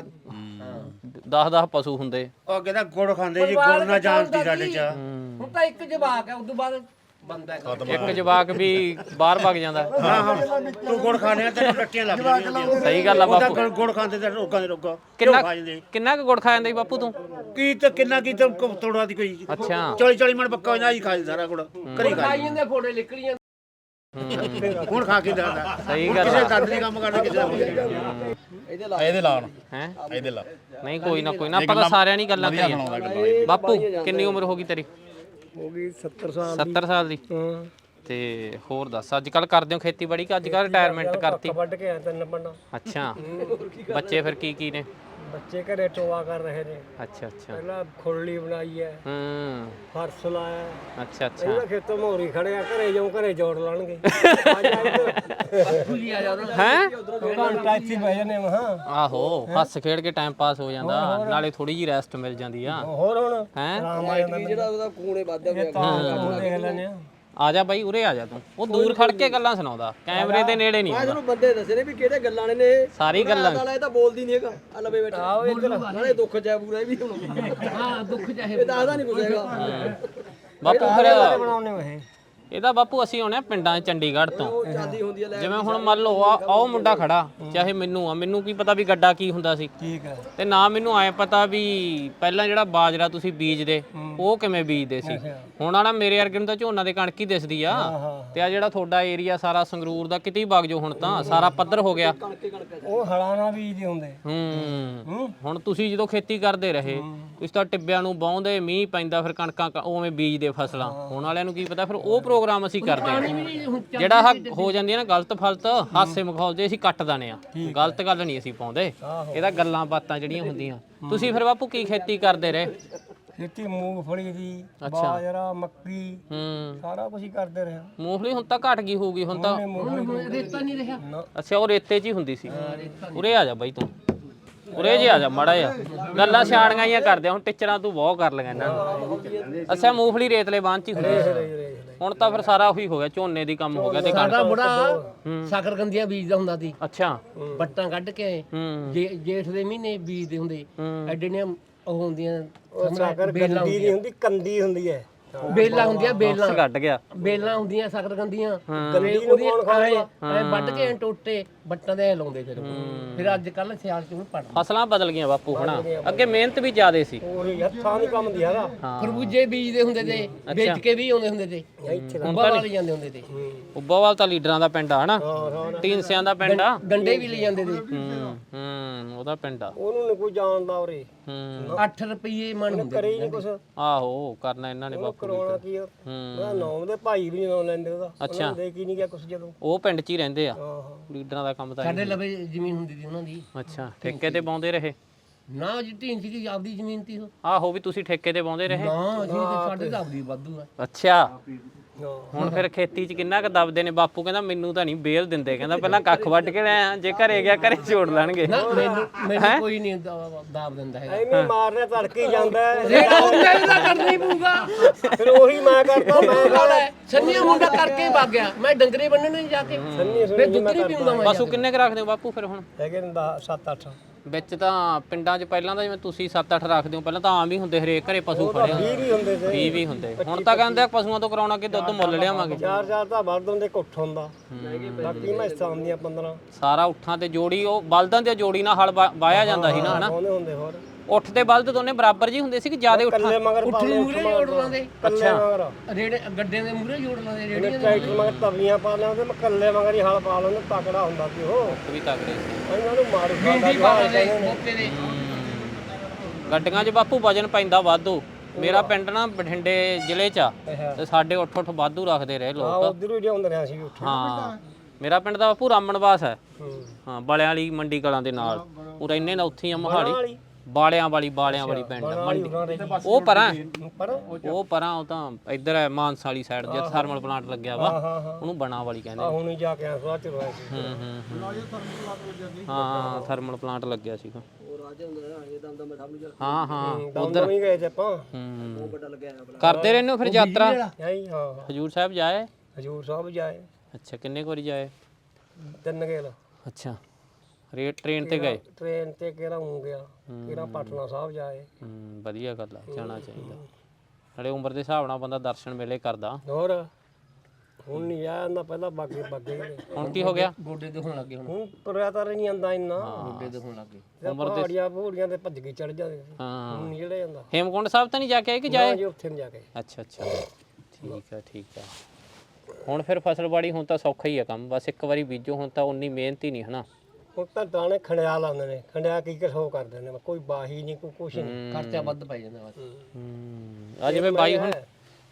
[SPEAKER 1] 10 ਪਸ਼ੂ ਹੁੰਦੇ
[SPEAKER 5] ਉਹ ਕਹਿੰਦਾ ਗੁੜ ਖਾਂਦੇ ਜੀ ਗੁੜ ਨਾ ਜਾਣਦੀ ਸਾਡੇ ਚ
[SPEAKER 3] ਹੁਣ ਤਾਂ ਇੱਕ ਜਵਾਕ ਹੈ ਉਦੋਂ ਬਾਅਦ ਬੰਦਾ ਹੈ
[SPEAKER 1] ਇੱਕ ਜਵਾਕ ਵੀ ਬਾਹਰ ਭੱਗ ਜਾਂਦਾ
[SPEAKER 5] ਤੂੰ ਗੁੜ ਖਾਣੇ ਤੇ ਟੱਟੀਆਂ ਲੱਗ ਜਾਂਦੀਆਂ
[SPEAKER 1] ਸਹੀ ਗੱਲ ਆ ਬਾਪੂ
[SPEAKER 5] ਤਾਂ ਗੁੜ ਖਾਂਦੇ ਤੇ ਰੋਗਾਂ ਦੇ ਰੋਗਾ
[SPEAKER 1] ਕਿੰਨਾ ਕੁ ਗੁੜ ਖਾ ਜਾਂਦਾ ਸੀ ਬਾਪੂ ਤੂੰ
[SPEAKER 5] ਕੀ ਤਾਂ ਤੋੜਾ ਦੀ ਕੋਈ
[SPEAKER 1] ਅੱਛਾ
[SPEAKER 5] 40 ਮਣ ਪੱਕਾ ਹੋ ਜਾਂਦਾ ਜੀ ਖਾ ਸਾਰਾ ਗੁੜ ਕਰੀ
[SPEAKER 3] ਖਾਈ ਜਾਂਦੇ ਫੋੜੇ ਨਿਕਲੀਆਂ
[SPEAKER 5] ਹੁਣ ਖਾ ਕੇ ਦੱਸਦਾ
[SPEAKER 1] ਸਹੀ ਗੱਲ
[SPEAKER 5] ਕਿਸੇ ਦੰਦ ਦੀ ਕੰਮ ਕਰਨਾ ਕਿਸੇ ਦਾ ਇਹਦੇ ਲਾਉਣ
[SPEAKER 1] ਹੈ
[SPEAKER 5] ਇਹਦੇ ਲਾ
[SPEAKER 1] ਨਹੀਂ ਕੋਈ ਨਾ ਆਪਾਂ ਤਾਂ ਸਾਰਿਆਂ ਨਹੀਂ ਗੱਲਾਂ ਕਰੀਆਂ ਬਾਪੂ ਕਿੰਨੀ ਉਮਰ ਹੋ ਗਈ ਤੇਰੀ
[SPEAKER 2] ਹੋ ਗਈ 70 ਸਾਲ
[SPEAKER 1] 70 ਸਾਲ ਦੀ
[SPEAKER 2] ਹਾਂ
[SPEAKER 1] ਤੇ ਹੋਰ ਦੱਸ ਅੱਜ ਕੱਲ ਕਰਦੇ ਹੋ ਖੇਤੀਬਾੜੀ ਕਿ ਅੱਜ ਕੱਲ ਰਿਟਾਇਰਮੈਂਟ ਕਰਤੀ
[SPEAKER 2] ਵੱਢ ਕੇ ਆਇਆ 3 ਪੰਡਾ
[SPEAKER 1] ਅੱਛਾ ਬੱਚੇ ਫਿਰ ਕੀ ਨੇ
[SPEAKER 2] ਬੱਚੇ ਘਰੇ ਟੋਆ ਕਰ ਰਹੇ ਨੇ
[SPEAKER 1] ਅੱਛਾ ਅੱਛਾ
[SPEAKER 2] ਪਹਿਲਾਂ ਖੁਰਲੀ ਬਣਾਈ ਹੈ
[SPEAKER 1] ਹੂੰ
[SPEAKER 2] ਫਰਸ਼ ਲਾਇਆ
[SPEAKER 1] ਅੱਛਾ ਅੱਛਾ
[SPEAKER 2] ਇਹਦਾ ਖੇਤੋਂ ਮੋਰੀ ਖੜਿਆ ਘਰੇ ਜਾਉਂ ਘਰੇ ਜੋੜ ਲਾਣਗੇ
[SPEAKER 3] ਖੁੱਲੀ ਆ ਜਾ ਉਹਨਾਂ
[SPEAKER 1] ਹੈ
[SPEAKER 2] ਘੰਟਾ ਇੱਥੇ ਬਹਿ ਜਾਂਦੇ ਮਹਾ
[SPEAKER 1] ਆਹੋ ਹੱਸ ਖੇਡ ਕੇ ਟਾਈਮ ਪਾਸ ਹੋ ਜਾਂਦਾ ਨਾਲੇ ਥੋੜੀ ਜੀ ਰੈਸਟ ਮਿਲ ਜਾਂਦੀ ਆ
[SPEAKER 2] ਹੋਰ ਹੁਣ
[SPEAKER 1] ਹੈ
[SPEAKER 2] ਆਰਾਮ ਆ ਜਾਂਦਾ
[SPEAKER 3] ਜਿਹੜਾ ਉਹਦਾ ਖੂਨੇ ਵੱਧਦਾ ਪਿਆ
[SPEAKER 2] ਕੰਮ ਦੇਖ ਲੈਣੇ ਆ
[SPEAKER 1] ਆ ਜਾ ਬਾਈ ਉਰੇ ਆ ਜਾ ਤੂੰ ਉਹ ਦੂਰ ਖੜ ਕੇ ਗੱਲਾਂ ਸੁਣਾਉਂਦਾ ਕੈਮਰੇ ਦੇ ਨੇੜੇ ਨਹੀਂ ਆਉਂਦਾ
[SPEAKER 2] ਤੁਹਾਨੂੰ ਬੰਦੇ ਦੱਸੇ ਨੇ ਵੀ ਕਿਹੜੇ ਗੱਲਾਂ ਨੇ
[SPEAKER 1] ਸਾਰੀ ਗੱਲਾਂ
[SPEAKER 2] ਇਹ ਤਾਂ ਬੋਲਦੀ ਨਹੀਂ ਹੈਗਾ ਆ ਲਵੇ ਬੈਠਾ ਨਾਲੇ ਦੁੱਖ ਚ ਪੂਰਾ ਇਹ ਵੀ ਹੁਣ
[SPEAKER 3] ਹਾਂ ਦੁੱਖ ਚਾਹੇ
[SPEAKER 2] ਇਹ ਦੱਸਦਾ ਨਹੀਂ ਕੁਝ ਹੈਗਾ
[SPEAKER 1] ਬਾਪੂ ਫਿਰ
[SPEAKER 2] ਬਣਾਉਣੇ ਹੋਏ
[SPEAKER 1] ਇਹਦਾ ਬਾਪੂ ਅਸੀਂ ਆਉਣੇ ਆ ਪਿੰਡਾਂ 'ਚ ਚੰਡੀਗੜ੍ਹ ਤੋਂ
[SPEAKER 2] ਚਾਦੀ ਹੁੰਦੀ ਹੈ ਲੈ
[SPEAKER 1] ਜਿਵੇਂ ਹੁਣ ਮੰਨ ਲਓ ਆ ਉਹ ਮੁੰਡਾ ਖੜਾ ਚਾਹੇ ਮੈਨੂੰ ਕੀ ਪਤਾ ਵੀ ਗੱਡਾ ਕੀ ਹੁੰਦਾ ਸੀ
[SPEAKER 2] ਠੀਕ ਹੈ
[SPEAKER 1] ਤੇ ਨਾ ਮੈਨੂੰ ਐ ਪਤਾ ਵੀ ਪਹਿਲਾਂ ਜਿਹੜਾ ਬਾਜਰਾ ਤੁਸੀਂ ਬੀਜਦੇ ਉਹ ਕਿਵੇਂ ਬੀਜਦੇ ਸੀ ਹੁਣ ਆਣਾ ਮੇਰੇ ਵਰਗੇ ਨੂੰ ਤਾਂ ਝੋਨਾ ਦੇ ਕਣਕ ਹੀ ਦਿਸਦੀ ਆ ਤੇ ਆ ਜਿਹੜਾ ਤੁਹਾਡਾ ਏਰੀਆ ਸਾਰਾ ਸੰਗਰੂਰ ਦਾ ਕਿਤੇ ਹੀ ਵਗ ਜਾਓ ਹੁਣ ਤਾਂ ਸਾਰਾ ਪੱਧਰ ਹੋ ਗਿਆ
[SPEAKER 2] ਉਹ ਹਲਾਣਾ ਬੀਜਦੇ ਹੁੰਦੇ
[SPEAKER 1] ਹੁਣ ਤੁਸੀਂ ਜਦੋਂ ਖੇਤੀ ਕਰਦੇ ਰਹੇ ਤੁਸੀਂ ਤਾਂ ਟਿੱਬਿਆਂ ਨੂੰ ਵਾਹੁੰਦੇ ਮੀਂਹ ਪੈਂਦਾ ਫਿਰ ਕਣਕਾਂ ਉਵੇਂ ਬੀਜਦੇ ਫਸਲਾਂ ਹੁਣ ਵਾਲਿਆਂ ਨੂੰ ਕੀ ਪਤਾ ਫਿਰ ਉਹ ਪ੍ਰੋਗਰਾਮ ਅਸੀਂ ਕਰਦੇ ਹਾਂ ਜਿਹੜਾ ਆਹ ਹੋ ਜਾਂਦੀ ਹੈ ਨਾ ਗਲਤ ਫਲਤ ਹਾਸੇ ਮਖੌਲ ਜੇ ਅਸੀਂ ਕੱਟ ਦਾਨੇ ਆ ਗਲਤ ਗੱਲ ਨਹੀਂ ਅਸੀਂ ਪਾਉਂਦੇ ਇਹਦਾ ਗੱਲਾਂ ਬਾਤਾਂ ਜਿਹੜੀਆਂ ਹੁੰਦੀਆਂ ਤੁਸੀਂ ਫਿਰ ਬਾਪੂ ਕੀ ਖੇਤੀ ਕਰਦੇ ਰਹੇ
[SPEAKER 2] ਖੇਤੀ ਮੂੰਗਫਲੀ ਦੀ ਬਾਜਰਾ ਮੱਕੀ ਸਾਰਾ ਕੁਝ ਹੀ ਕਰਦੇ ਰਹੇ
[SPEAKER 1] ਮੂੰਗਫਲੀ ਹੁਣ ਤਾਂ ਘਟ ਗਈ ਹੋਊਗੀ ਹੁਣ ਤਾਂ
[SPEAKER 3] ਰੇਤਾ ਨਹੀਂ ਰਿਹਾ
[SPEAKER 1] ਅੱਛਾ ਉਹ ਰੇਤੇ 'ਚ ਹੀ ਹੁੰਦੀ ਸੀ ਉਰੇ ਆ ਜਾ ਬਾਈ ਤੂੰ ਉਰੇ ਜੇ ਆ ਜਾ ਮਾੜਾ ਜਿਹਾ ਗੱਲਾਂ ਸਿਆਣੀਆਂ ਹੀ ਕਰਦੇ ਹੁਣ ਟੀਚਰਾਂ ਤੂੰ ਬਹੁਤ ਕਰ ਲਈਆਂ ਇਹਨਾਂ ਨੂੰ ਅੱਛਾ ਮੂੰਗਫਲੀ ਰੇਤਲੇ ਬਾਂਹ 'ਚ ਹੀ ਹੁੰਦੀ ਸੀ ਹੁਣ ਤਾਂ ਫਿਰ ਸਾਰਾ ਉਹੀ ਹੋ ਗਿਆ ਝੋਨੇ ਦੀ ਕੰਮ ਹੋ ਗਿਆ ਤੇ
[SPEAKER 3] ਸਾਡਾ ਬੁੜਾ ਸ਼ਕਰਕੰਦੀਆਂ ਬੀਜਦਾ ਹੁੰਦਾ ਸੀ
[SPEAKER 1] ਅੱਛਾ
[SPEAKER 3] ਬੱਟਾਂ ਕੱਢ ਕੇ ਜੇਠ ਦੇ ਮਹੀਨੇ ਬੀਜਦੇ ਹੁੰਦੇ ਐਡੇ ਨੇ ਉਹ ਹੁੰਦੀਆਂ ਬੇਲਾਂ
[SPEAKER 2] ਨਹੀਂ ਹੁੰਦੀ ਕੰਦੀ ਹੁੰਦੀ ਹੈ
[SPEAKER 3] ਬੇਲਾਂ ਹੁੰਦੀਆਂ ਬੇਲਾਂ
[SPEAKER 1] ਕੱਢ ਗਿਆ
[SPEAKER 3] ਬੇਲਾਂ ਹੁੰਦੀਆਂ ਸ਼ਕਰਕੰਦੀਆਂ ਉਹਦੀਆਂ ਐ ਵੱਢ ਕੇ ਟੋਟੇ ਬੱਟਾਂ ਦੇ ਲਾਉਂਦੇ ਫਿਰ ਅੱਜ ਕੱਲ ਸਿਆਲ ਚ ਹੁਣ ਪੜ
[SPEAKER 1] ਫਸਲਾਂ ਬਦਲ ਗਈਆਂ ਬਾਪੂ ਹਨਾ ਅੱਗੇ ਮਿਹਨਤ ਵੀ ਜ਼ਿਆਦੇ ਸੀ
[SPEAKER 2] ਉਹੀ ਹੱਥਾਂ ਦੀ ਕੰਮ ਦੀ ਹੈਗਾ
[SPEAKER 3] ਖਰਬੂਜੇ ਬੀਜਦੇ ਹੁੰਦੇ ਤੇ ਵੇਚ ਕੇ ਵੀ ਆਉਂਦੇ ਹੁੰਦੇ ਤੇ ਉੱਬਾ ਵਾਲੇ ਜਾਂਦੇ ਹੁੰਦੇ ਤੇ
[SPEAKER 1] ਉੱਬਾਵਾਲ ਤਾਂ ਲੀਡਰਾਂ ਦਾ ਪਿੰਡ ਆ ਹਨਾ ਟੀਨਸਿਆਂ ਦਾ ਪਿੰਡ ਆ
[SPEAKER 3] ਗੰਡੇ ਵੀ ਲੈ ਜਾਂਦੇ ਤੇ
[SPEAKER 1] ਉਹਦਾ ਪਿੰਡ ਆ
[SPEAKER 2] ਉਹਨੂੰ ਨੀ ਕੋਈ ਜਾਣਦਾ ਉਰੇ
[SPEAKER 3] 8 ਰੁਪਏ ਮਣ ਹੁੰਦੇ
[SPEAKER 2] ਕਰੇ ਹੀ ਨਹੀਂ ਕੁਛ
[SPEAKER 1] ਆਹੋ ਕਰਨਾ ਇਹਨਾਂ ਨੇ ਬਾਪੂ
[SPEAKER 2] ਕਰਵਾਉਣਾ ਕੀ ਉਹਦਾ ਨਾਮ ਦੇ ਭਾਈ ਵੀ ਨਾਮ ਲੈਂਦੇ ਉਹਦਾ
[SPEAKER 1] ਅੱਛਾ
[SPEAKER 2] ਦੇ ਕੀ ਨਹੀਂ ਗਿਆ ਕੁਛ ਜਦੋਂ
[SPEAKER 1] ਉਹ ਪਿੰਡ 'ਚ ਹੀ ਰਹਿੰਦੇ ਆ
[SPEAKER 2] ਆਹੋ
[SPEAKER 1] ਲੀਡਰਾਂ ਦਾ ਕੰਮ ਤਾਂ
[SPEAKER 3] ਸਾਡੇ ਲਵੇ ਜ਼ਮੀਨ ਹੁੰਦੀ ਸੀ ਉਹਨਾਂ ਦੀ
[SPEAKER 1] ਅੱਛਾ ਠੇਕੇ ਤੇ ਬਾਉਂਦੇ ਰਹੇ
[SPEAKER 3] ਨਾ ਜੀ ਢੀਂਚ ਦੀ ਆਪਦੀ ਜ਼ਮੀਨ ਤੀ ਉਹ
[SPEAKER 1] ਆਹੋ ਵੀ ਤੁਸੀਂ ਠੇਕੇ ਤੇ ਬਾਉਂਦੇ ਰਹੇ
[SPEAKER 3] ਨਾ ਅਸੀਂ ਤੇ ਸਾਡੇ ਤਾਂ ਆਪਦੀ ਵਾਧੂ ਆ
[SPEAKER 1] ਅੱਛਾ ਹੁਣ ਫਿਰ ਖੇਤੀ 'ਚ ਕਿੰਨਾ ਕੁ ਦਬਦੇ ਨੇ ਬਾਪੂ ਕਹਿੰਦਾ ਮੈਨੂੰ ਤਾਂ ਨਹੀਂ ਬੇਲ ਦਿੰਦੇ ਕਹਿੰਦਾ ਪਹਿਲਾਂ ਕੱਖ ਵੱਢ ਕੇ ਲੈ ਆ ਜੇ ਘਰੇ ਗਿਆ ਘਰੇ ਛੋੜ ਲੈਣਗੇ
[SPEAKER 3] ਨਾ ਮੈਨੂੰ ਕੋਈ ਨਹੀਂ ਦਾਬ ਦਿੰਦਾ ਹੈਗਾ
[SPEAKER 2] ਐਵੇਂ ਮਾਰਨਾ ਤੜਕੇ ਜਾਂਦਾ
[SPEAKER 3] ਜਿਹੜਾ ਉਹਨੇ ਦਾ ਕਰਨੀ ਪਊਗਾ
[SPEAKER 2] ਫਿਰ ਉਹੀ ਮੈਂ ਕਰਦਾ ਮੈਂ
[SPEAKER 3] ਸੰਨੀਆ ਮੁੰਡਾ ਕਰਕੇ ਵਗ ਗਿਆ ਮੈਂ ਡੰਗਰੇ ਬੰਨਣੇ ਜਾ ਕੇ ਫਿਰ ਦੁੱਧ ਨਹੀਂ ਪੀਉਂਦਾ ਮੈਂ
[SPEAKER 1] ਪਸ਼ੂ ਕਿੰਨੇ ਕੁ ਰੱਖਦੇ ਹੋ ਬਾਪੂ ਫਿਰ ਹੁਣ
[SPEAKER 2] ਹੈਗੇ ਨੇ 7-8
[SPEAKER 1] ਵਿੱਚ ਤਾਂ ਪਿੰਡਾਂ 'ਚ ਪਹਿਲਾਂ ਤਾਂ ਜਿਵੇਂ ਤੁਸੀਂ 7-8 ਰੱਖਦੇ ਹੋ ਪਹਿਲਾਂ ਤਾਂ ਆਮ ਹੀ ਹੁੰਦੇ ਹਰੇਕ ਘਰੇ ਪਸ਼ੂ ਖੜੇ ਹੁੰਦੇ
[SPEAKER 2] 20 ਵੀ ਹੁੰਦੇ ਤੇ
[SPEAKER 1] 20 ਵੀ ਹੁੰਦੇ ਹੁਣ ਤਾਂ ਕਹਿੰਦੇ ਆ ਪਸ਼ੂਆਂ ਤੋਂ ਕਰਾਉਣਾ ਕਿ ਦੁੱਧ ਮੁੱਲ ਲਿਆਵਾਂਗੇ
[SPEAKER 2] 4-4 ਤਾਂ ਵੱਧ ਹੁੰਦੇ ਕੁੱਠ ਹੁੰਦਾ ਬਾਕੀ ਮੈਸਾਂ ਹੁੰਦੀਆਂ 15
[SPEAKER 1] ਸਾਰਾ ਉੱਠਾਂ ਤੇ ਜੋੜੀ ਉਹ ਬਲਦਾਂ ਤੇ ਜੋੜੀ ਨਾਲ ਹਲ ਵਾਇਆ ਜਾਂਦਾ ਸੀ ਨਾ ਹਨਾ
[SPEAKER 2] ਉਹਨੇ ਹੁੰਦੇ ਹੋਰ
[SPEAKER 1] ਉੱਠ ਤੇ ਬਲਦ ਦੋਨੇ ਬਰਾਬਰ ਜੀ ਹੁੰਦੇ ਸੀ ਕਿ ਜਿਆਦੇ ਉੱਠਾਂ
[SPEAKER 2] ਕੱਲੇ ਮਗਰ ਪਾ ਲਓ
[SPEAKER 3] ਮੂਰੇ ਜੋੜ ਲਾਂਦੇ
[SPEAKER 2] ਕੱਲੇ ਮਗਰ
[SPEAKER 3] ਰੇੜੇ ਗੱਡੇ ਦੇ ਮੂਰੇ ਜੋੜ ਲਾਂਦੇ ਰੇੜੇ
[SPEAKER 2] ਟਰੈਕਟਰ ਮਗਰ ਤਵੀਆਂ ਪਾ ਲਿਆ ਉਹਦੇ ਮੈਂ ਕੱਲੇ ਮਗਰ ਹੀ ਹਲ ਪਾ ਲੈਂਦੇ ਤਕੜਾ ਹੁੰਦਾ ਸੀ ਉਹ
[SPEAKER 1] ਵੀ ਤਗੜੇ ਸੀ
[SPEAKER 2] ਇਹਨਾਂ ਨੂੰ ਮਾਰੂ
[SPEAKER 3] ਬੀਡੀ ਪਾ ਲਾਂਦੇ ਮੌਕੇ ਦੇ
[SPEAKER 1] ਗੱਡੀਆਂ 'ਚ ਬਾਪੂ ਵਜਨ ਪੈਂਦਾ ਵਾਧੂ ਮੇਰਾ ਪਿੰਡ ਨਾ ਬਠਿੰਡੇ ਜ਼ਿਲ੍ਹੇ 'ਚ ਆ ਤੇ ਸਾਡੇ ਉੱਠ ਵਾਧੂ ਰੱਖਦੇ ਰਹੇ ਲੋਕ
[SPEAKER 2] ਉਧਰ ਹੀ ਲਿਆਉਂਦੇ ਨੇ ਅਸੀਂ ਉੱਠ
[SPEAKER 1] ਹਾਂ ਮੇਰਾ ਪਿੰਡ ਦਾ ਬਾਪੂ ਰਾਮਣਵਾਸ ਹੈ ਹਾਂ ਬਾਲਿਆਂ ਵਾਲੀ ਮੰਡੀ ਕਲਾਂ ਦੇ ਨਾਲ ਪੂਰਾ ਇੰਨੇ ਨਾ ਉੱਥੇ ਆ ਮੋਹਾਲੀ ਬਾਲਿਆਂ ਵਾਲੀ ਪਿੰਡ ਮੰਡੀ ਉਹ ਪਰਾਂ ਉਹ ਪਰਾਂ ਉਹ ਤਾਂ ਇੱਧਰ ਹੈ ਮਾਨਸਾ ਵਾਲੀ ਸਾਈਡ ਜਿੱਥੇ ਥਰਮਲ ਪਲਾਂਟ ਲੱਗਿਆ ਵਾ ਉਹਨੂੰ ਬਣਾ ਵਾਲੀ ਕਹਿੰਦੇ
[SPEAKER 2] ਹੁਣ ਹੀ ਜਾ ਕੇ ਆ ਸਵਾਚ ਰੋਇਆ ਸੀ
[SPEAKER 1] ਹਾਂ ਥਰਮਲ ਪਲਾਂਟ ਲੱਗਿਆ ਸੀਗਾ ਹਾਂ
[SPEAKER 2] ਉਧਰ ਵੀ ਗਏ ਤੇ ਆਪਾਂ
[SPEAKER 1] ਕਰਦੇ ਰਹਿੰਦੇ ਹੋ ਫਿਰ ਯਾਤਰਾ
[SPEAKER 2] ਆਈ ਹਾਂ
[SPEAKER 1] ਹਜੂਰ ਸਾਹਿਬ ਜਾਏ
[SPEAKER 2] ਹਜੂਰ ਸਾਹਿਬ ਜਾਏ
[SPEAKER 1] ਅੱਛਾ ਕਿੰਨੇ ਕੁ ਵਾਰੀ ਜਾਏ
[SPEAKER 2] 3 ਗੇਲ
[SPEAKER 1] ਅੱਛਾ ਟ੍ਰੇਨ ਤੇ ਗਏ
[SPEAKER 2] ਟ੍ਰੇਨ ਤੇ ਕਿਹੜਾ ਹੋ ਗਿਆ ਕਿਹੜਾ ਪਟਨਾ ਸਾਹਿਬ ਜਾਏ
[SPEAKER 1] ਵਧੀਆ ਗੱਲ ਆ ਜਾਣਾ ਚਾਹੀਦਾ ਨਾਲੇ ਉਮਰ ਦੇ ਹਿਸਾਬ ਨਾਲ ਬੰਦਾ ਦਰਸ਼ਨ ਮੇਲੇ ਕਰਦਾ
[SPEAKER 2] ਹੋਰ ਹੁਣ ਨਹੀਂ ਜਾਂਦਾ ਪਹਿਲਾਂ ਬਾਗੇ
[SPEAKER 1] ਹੁਣ ਕੀ ਹੋ ਗਿਆ
[SPEAKER 3] ਗੋਡੇ ਤੇ ਹੋਣ ਲੱਗੇ
[SPEAKER 2] ਹੁਣ ਤੁਰਿਆ ਤਾਂ ਨਹੀਂ ਜਾਂਦਾ ਇੰਨਾ
[SPEAKER 3] ਗੋਡੇ ਤੇ ਹੋਣ ਲੱਗੇ
[SPEAKER 2] ਉਮਰ ਦੇ ਭੂੜੀਆਂ ਤੇ ਭੱਜ ਕੇ ਚੜ ਜਾਂਦੇ
[SPEAKER 1] ਹਾਂ
[SPEAKER 2] ਹੁਣ ਨਹੀਂ ਜਿਹੜਾ ਜਾਂਦਾ
[SPEAKER 1] ਹੇਮਕੁੰਡ ਸਾਹਿਬ ਤਾਂ ਨਹੀਂ ਜਾ ਕੇ ਆਏ ਕਿ ਜਾਏ
[SPEAKER 2] ਜੀ ਉੱਥੇ ਨਹੀਂ ਜਾ ਕੇ
[SPEAKER 1] ਅੱਛਾ ਠੀਕ ਆ ਹੁਣ ਫਿਰ ਫਸਲਬਾੜੀ ਹੁਣ ਤਾਂ ਸੌਖਾ ਹੀ ਆ ਕੰਮ ਬਸ ਇੱਕ ਵਾਰੀ ਬੀਜੋ ਹੁਣ ਤਾਂ ਉਨੀ ਮਿਹਨਤ ਹੀ ਨਹੀਂ ਹਨਾ
[SPEAKER 2] ਹੁਣ ਤਾਂ ਦਾਣੇ ਖੰਡਿਆ ਲਾਉਂਦੇ ਨੇ ਖੰਡਿਆ ਕੀ ਹੋ ਕਰਦੇ ਨੇ ਕੋਈ ਬਾਹੀ ਨਹੀਂ ਕੋਈ ਕੁਛ ਨਹੀਂ
[SPEAKER 3] ਖਰਚਾ ਵੱਧ ਪੈ ਜਾਂਦਾ ਬਸ
[SPEAKER 1] ਆ ਜਿਵੇਂ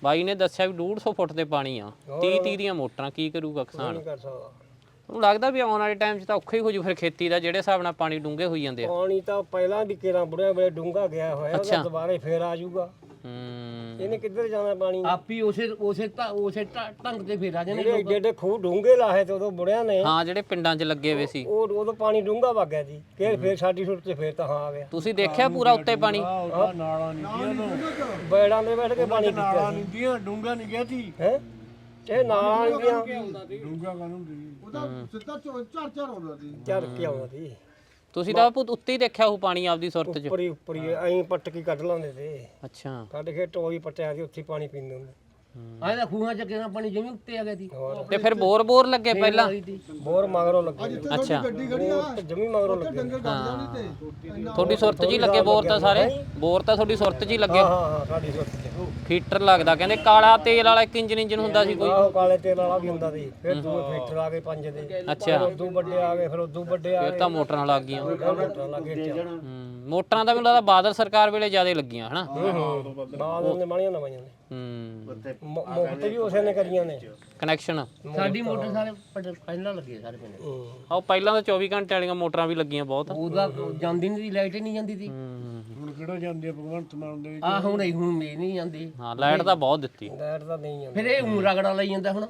[SPEAKER 1] ਬਾਈ ਨੇ ਦੱਸਿਆ ਵੀ 150 ਫੁੱਟ ਤੇ ਪਾਣੀ ਆ 30 ਦੀਆਂ ਮੋਟਰਾਂ ਕੀ ਕਰੂਗਾ ਕਿਸਾਨ
[SPEAKER 2] ਕਰ ਸਕਦਾ
[SPEAKER 1] ਉਹਨੂੰ ਲੱਗਦਾ ਵੀ ਆਉਣ ਵਾਲੇ ਟਾਈਮ 'ਚ ਤਾਂ ਔਖਾ ਹੀ ਹੋ ਜੂ ਫਿਰ ਖੇਤੀ ਦਾ ਜਿਹੜੇ ਹਿਸਾਬ ਨਾਲ ਪਾਣੀ ਡੂੰਘੇ ਹੋਈ ਜਾਂਦੇ ਆ
[SPEAKER 2] ਪਾਣੀ ਤਾਂ ਪਹਿਲਾਂ ਵੀ ਕੇਰਾਂ ਬੁੜਿਆ ਵੇਲੇ ਡੂੰਘਾ ਗਿਆ ਹੋਇਆ ਉਹਦਾ ਦੁਬਾਰੇ ਫੇਰ ਆ ਜਾਊਗਾ ਇਹਨੇ ਕਿੱਧਰ ਜਾਣਾ ਪਾਣੀ
[SPEAKER 3] ਆਪੀ ਉਸੇ ਢੰਗ ਤੇ ਫੇਰ ਆ ਜਾਣੇ
[SPEAKER 2] ਜਿਹੜੇ ਏਡੇ ਏਡੇ ਖੂਹ ਡੂੰਘੇ ਲਾਹੇ ਤੇ ਉਦੋਂ ਬੁੜਿਆਂ ਨੇ
[SPEAKER 1] ਹਾਂ ਜਿਹੜੇ ਪਿੰਡਾਂ 'ਚ ਲੱਗੇ ਹੋਏ ਸੀ
[SPEAKER 2] ਉਦੋਂ ਪਾਣੀ ਡੂੰਘਾ ਵਗ ਗਿਆ ਜੀ ਫੇਰ ਸਾਡੀ ਸੁੱਟ ਤੇ ਫੇਰ ਤਾਂ ਹਾਂ ਆ ਗਿਆ
[SPEAKER 1] ਤੁਸੀਂ ਦੇਖਿਆ ਪੂਰਾ ਉੱਤੇ ਪਾਣੀ
[SPEAKER 5] ਨਾਲਾਂ ਨਹੀਂ
[SPEAKER 2] ਬੈੜਾਂ ਦੇ ਬੈਠ ਕੇ ਪਾਣੀ ਪੀਤਾ ਸੀ
[SPEAKER 5] ਦੀਆਂ ਡੂੰਗਾ ਨਹੀਂ ਗਿਆ ਸੀ
[SPEAKER 2] ਹੈ ਇਹ ਨਾਲਾਂ ਨਹੀਂ ਦੀਆਂ
[SPEAKER 5] ਡੂੰਗਾ ਕਾਨੂੰ ਦੀ ਉਹਦਾ ਸਿੱਧਾ ਝੜ ਆਉਂਦਾ ਸੀ
[SPEAKER 2] ਚੜ ਕੇ ਆਉਂਦਾ ਸੀ
[SPEAKER 1] ਤੁਸੀਂ ਤਾਂ ਉੱਤੇ ਹੀ ਦੇਖਿਆ ਉਹ ਪਾਣੀ ਆਪਦੀ ਸੁਰਤ 'ਚ
[SPEAKER 2] ਉੱਪਰੀ ਐਂ ਪਟਕੀ ਕੱਢ ਲਾਉਂਦੇ ਤੇ
[SPEAKER 1] ਅੱਛਾ
[SPEAKER 2] ਕੱਢ ਕੇ ਟੋਈ ਪਟਿਆ ਸੀ ਉੱਥੇ ਹੀ ਪਾਣੀ ਪੀਂਦੇ ਹੁੰਦੇ
[SPEAKER 3] ਆਹ ਤਾਂ ਖੂਹਾਂ ਚ ਕਿਹਨਾਂ ਪਾਣੀ ਜਿਵੇਂ ਉੱਤੇ ਆ ਗਿਆ ਸੀ
[SPEAKER 1] ਤੇ ਫਿਰ ਬੋਰ ਲੱਗੇ ਪਹਿਲਾਂ
[SPEAKER 2] ਬੋਰ ਮਗਰੋਂ ਲੱਗੇ
[SPEAKER 1] ਅੱਛਾ
[SPEAKER 2] ਬੋਰ ਜਮੀ ਮਗਰੋਂ ਲੱਗੇ
[SPEAKER 1] ਤੁਹਾਡੀ ਸੁਰਤ 'ਚ ਹੀ ਲੱਗੇ ਬੋਰ ਤਾਂ ਸਾਰੇ ਬੋਰ ਤਾਂ ਤੁਹਾਡੀ ਸੁਰਤ 'ਚ ਹੀ ਲੱਗੇ
[SPEAKER 2] ਹਾਂ ਸਾਡੀ ਸੁੱਤ ਤੇ
[SPEAKER 1] ਫੀਟਰ ਲੱਗਦਾ ਕਹਿੰਦੇ ਕਾਲਾ ਤੇਲ ਵਾਲਾ ਇੱਕ ਇੰਜਨ ਹੁੰਦਾ ਸੀ ਕੋਈ
[SPEAKER 2] ਆਹੋ ਕਾਲੇ ਤੇਲ ਵਾਲਾ ਵੀ ਹੁੰਦਾ ਸੀ ਫਿਰ ਦੂਏ ਫੀਟਰ ਆ ਗਏ 5 ਦੇ
[SPEAKER 1] ਅੱਛਾ
[SPEAKER 2] ਉਦੋਂ ਵੱਡੇ ਆ ਗਏ ਫਿਰ ਉਦੋਂ ਵੱਡੇ ਆ
[SPEAKER 1] ਫਿਰ ਤਾਂ ਮੋਟਰਾਂ ਲੱਗ ਗਈਆਂ
[SPEAKER 2] ਮੋਟਰਾਂ ਲੱਗੇ
[SPEAKER 1] ਮੋਟਰਾਂ ਤਾਂ ਮੈਨੂੰ ਲੱਗਦਾ ਬਾਦਲ ਸਰਕਾਰ ਵੇਲੇ ਜ਼ਿਆਦਾ ਲੱਗੀਆਂ ਹਨਾ
[SPEAKER 2] ਬਾਅਦ ਨੇ ਮਾਣੀਆਂ ਨਵਾਈਆਂ ਨੇ ਮੁਫਤ ਵੀ ਉਸੇ ਨੇ ਕਰੀਆਂ ਨੇ
[SPEAKER 1] ਕਨੈਕਸ਼ਨ
[SPEAKER 3] ਸਾਡੀ ਮੋਟਰ ਸਾਰੇ ਪਹਿਲਾਂ ਲੱਗੇ ਸਾਰੇ ਪਿੰਡ
[SPEAKER 1] ਉਹ ਪਹਿਲਾਂ ਤਾਂ 24 ਘੰਟੇ ਵਾਲੀਆਂ ਮੋਟਰਾਂ ਵੀ ਲੱਗੀਆਂ ਬਹੁਤ
[SPEAKER 3] ਉਹਦਾ ਜਾਂਦੀ ਨਹੀਂ ਲਾਈਟ ਹੀ ਨਹੀਂ ਜਾਂਦੀ ਸੀ
[SPEAKER 5] ਹੁਣ ਕਿਹੜਾ ਜਾਂਦੇ ਆ ਭਗਵੰਤ ਮਾਨ ਦੇ
[SPEAKER 3] ਆ ਹੁਣ ਮੇ ਨਹੀਂ ਜਾਂਦੀ
[SPEAKER 1] ਹਾਂ ਲਾਈਟ ਤਾਂ ਬਹੁਤ ਦਿੱਤੀ
[SPEAKER 2] ਲਾਈਟ ਤਾਂ ਨਹੀਂ
[SPEAKER 3] ਫਿਰ ਇਹ ਰਗੜਾ ਲਈ ਜਾਂਦਾ ਹੁਣ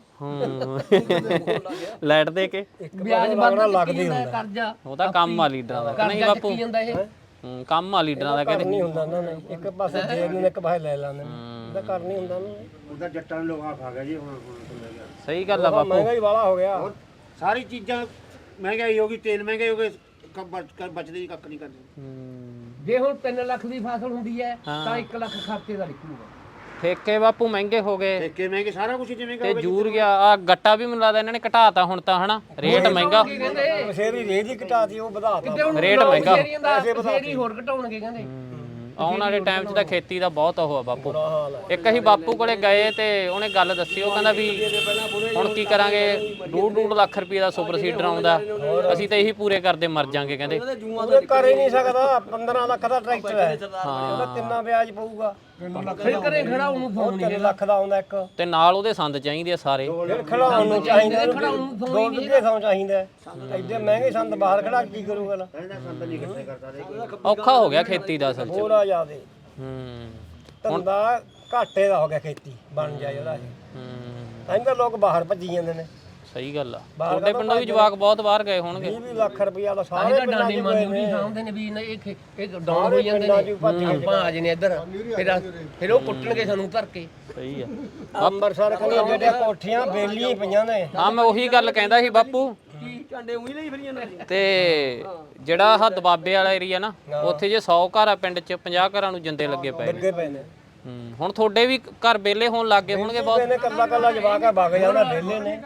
[SPEAKER 1] ਲਾਈਟ ਦੇ ਕੇ
[SPEAKER 3] ਵਿਆਜ ਬੰਦਾ ਲੱਗਦੀ ਹੁੰਦਾ ਕਰਜ਼ਾ
[SPEAKER 1] ਉਹ ਤਾਂ ਕੰਮ ਆ ਲੀਡਰਾਂ ਦਾ ਨਹੀਂ
[SPEAKER 3] ਕਰਜ਼ਾ
[SPEAKER 1] ਬਾਪੂ
[SPEAKER 3] ਚੱਕੀ ਜਾਂਦਾ ਇਹ
[SPEAKER 1] ਕੰਮ ਆ ਲੀਡਰਾਂ ਦਾ ਕਹਿੰਦੇ
[SPEAKER 2] ਨਹੀਂ ਹੁੰਦਾ ਉਹਨਾਂ ਨੇ ਇੱਕ ਪਾਸੇ ਦੇਰ ਨੂੰ ਇੱਕ ਪਾਸੇ ਲੈ ਲੈਂਦੇ ਨੇ ਇਹਦਾ ਕਰ ਨਹੀਂ ਹੁੰਦਾ ਉਹਨਾਂ ਨੇ
[SPEAKER 5] ਉਹਦਾ ਜੱਟਾਂ ਨੂੰ ਲੋਹਾ ਖਾ ਗਿਆ ਜੀ ਹੁਣ
[SPEAKER 1] ਸਹੀ ਗੱਲ ਆ ਬਾਪੂ
[SPEAKER 2] ਮਹਿੰਗਾ ਹੀ ਵਾਲਾ ਹੋ ਗਿਆ
[SPEAKER 5] ਸਾਰੀ ਚੀਜ਼ਾਂ ਮਹਿੰਗਾਈ ਹੋ ਗਈ ਤੇਲ ਮਹਿੰਗੇ ਹੋ ਗਏ ਬਚਦੇ ਹੀ ਕੱਖ ਨਹੀਂ ਕਰਦੇ
[SPEAKER 3] ਜੇ ਹੁਣ 3 ਲੱਖ ਦੀ ਫਸਲ ਹੁੰਦੀ ਹੈ ਤਾਂ 1 ਲੱਖ ਖਰਚੇ ਦਾ ਨਿਕਲੂਗਾ
[SPEAKER 1] ਠੇਕੇ ਬਾਪੂ ਮਹਿੰਗੇ ਹੋ ਗਏ
[SPEAKER 5] ਠੇਕੇ ਮਹਿੰਗੇ ਸਾਰਾ ਕੁਝ ਜਿਵੇਂ
[SPEAKER 1] ਤੇ ਜੂਰ ਗਿਆ ਆ ਗੱਟਾ ਵੀ ਮੈਨੂੰ ਲੱਗਦਾ ਇਹਨਾਂ ਨੇ ਘਟਾਤਾ ਹੁਣ ਤਾਂ ਹਨਾ ਰੇਟ ਮਹਿੰਗਾ
[SPEAKER 2] ਬਸੇਰੀ ਰੇਜ ਹੀ ਘਟਾਤੀ ਉਹ ਵਧਾਤਾ
[SPEAKER 1] ਰੇਟ ਮਹਿੰਗਾ
[SPEAKER 3] ਫੇਰ ਹੋਰ ਘਟਾਉਣਗੇ ਕਹਿੰਦੇ
[SPEAKER 1] ਆਉਣ ਵਾਲੇ ਟਾਈਮ 'ਚ ਤਾਂ ਖੇਤੀ ਦਾ ਬਹੁਤ ਉਹ ਆ ਬਾਪੂ
[SPEAKER 2] ਹਾਲ ਹੈ
[SPEAKER 1] ਇੱਕ ਅਸੀਂ ਬਾਪੂ ਕੋਲੇ ਗਏ ਤੇ ਉਹਨੇ ਗੱਲ ਦੱਸੀ ਉਹ ਕਹਿੰਦਾ ਵੀ ਹੁਣ ਕੀ ਕਰਾਂਗੇ 2.5 ਲੱਖ ਰੁਪਏ ਦਾ ਸੁਪਰ ਸੀਡਰ ਆਉਂਦਾ ਅਸੀਂ ਤਾਂ ਇਹੀ ਪੂਰੇ ਕਰਦੇ ਮਰ ਜਾਾਂਗੇ ਕਹਿੰਦੇ
[SPEAKER 2] ਉਹ ਕਰ ਹੀ ਨਹੀਂ ਸਕਦਾ 15 ਲੱਖ ਦਾ ਟਰੈਕਟਰ ਹੈ ਉਹਦਾ ਕਿੰਨਾ ਵਿਆਜ ਪਊਗਾ
[SPEAKER 3] ਫਿਰ ਕਰੇ ਖੜਾ ਉਹਨੂੰ ਫੋਨ
[SPEAKER 2] 3 ਲੱਖ ਦਾ ਆਉਂਦਾ ਇੱਕ
[SPEAKER 1] ਤੇ ਨਾਲ ਉਹਦੇ ਸੰਦ ਚਾਹੀਦੇ ਆ ਸਾਰੇ
[SPEAKER 2] ਫਿਰ ਖੜਾਉਣ ਨੂੰ ਚਾਹੀਦਾ ਦੋ ਵਿੱਗੇ ਥਾਂ ਚਾਹੀਦਾ ਐਡੇ ਮਹਿੰਗੇ ਸੰਦ ਬਾਹਰ ਖੜਾ ਕੀ ਕਰੂਗਾ ਨਾ
[SPEAKER 1] ਔਖਾ ਹੋ ਗਿਆ ਖੇਤੀ ਦਾ ਅਸਲ 'ਚ
[SPEAKER 2] ਥੋੜਾ ਜ਼ਿਆਦੇ
[SPEAKER 1] ਹੂੰ
[SPEAKER 2] ਧੰਦਾ ਘਾਟੇ ਦਾ ਹੋ ਗਿਆ ਖੇਤੀ ਬਣ ਜਾਏ ਉਹਦਾ ਤਾਂ ਹੀ ਤਾਂ ਲੋਕ ਬਾਹਰ ਭੱਜੀ ਜਾਂਦੇ ਨੇ
[SPEAKER 1] ਸਹੀ ਗੱਲ ਆ ਤੁਹਾਡੇ ਪਿੰਡੋਂ ਵੀ ਜਵਾਕ ਬਹੁਤ ਬਾਹਰ ਗਏ ਹੋਣਗੇ
[SPEAKER 2] 20 ਲੱਖ ਰੁਪਇਆ ਦਾ ਸਾਰੇ ਪਿੰਡਾਂ
[SPEAKER 3] ਡਾਂਡੀ ਮਾਨੀ ਵੀ ਸਾਂਭਦੇ ਨੇ ਵੀ ਇਹ ਡਾਊਨ ਹੋ ਜਾਂਦੇ ਨੇ ਆਪਾਂ ਆ ਜਨੇ ਇੱਧਰ ਫਿਰ ਉਹ ਕੁੱਟਣਗੇ ਸਾਨੂੰ ਧਰ ਕੇ
[SPEAKER 1] ਸਹੀ ਆ
[SPEAKER 2] ਅੰਮ੍ਰਿਤਸਰ ਕੋਲ ਜਿਹੜੇ ਕੋਠੀਆਂ ਬੇਲੀਆਂ ਪਈਆਂ ਨੇ
[SPEAKER 1] ਹਾਂ ਮੈਂ ਉਹੀ ਗੱਲ ਕਹਿੰਦਾ ਸੀ ਬਾਪੂ
[SPEAKER 2] ਝਾਂਡੇ ਉਹੀ ਲਈ ਫਿਰੀਆਂ ਨੇ
[SPEAKER 1] ਤੇ ਜਿਹੜਾ ਆਹ ਦਬਾਬੇ ਵਾਲਾ ਏਰੀਆ ਨਾ ਉੱਥੇ ਜੇ 100 ਘਰ ਆ ਪਿੰਡ 'ਚ 50 ਘਰਾਂ ਨੂੰ ਜਿੰਦੇ ਲੱਗੇ ਪਏ ਨੇ
[SPEAKER 2] ਲੱਗੇ ਪਏ ਨੇ
[SPEAKER 1] ਹੁਣ ਤੁਹਾਡੇ ਵੀ ਘਰ ਵਿਹਲੇ ਹੋਣ ਲੱਗ ਗਏ ਹੋਣਗੇ ਬਹੁਤ
[SPEAKER 2] ਇਹਨੇ ਕੱਲਾ ਜਵਾਕ ਆ ਵਗ ਜਾਂਦਾ ਵੇਲੇ ਨੇ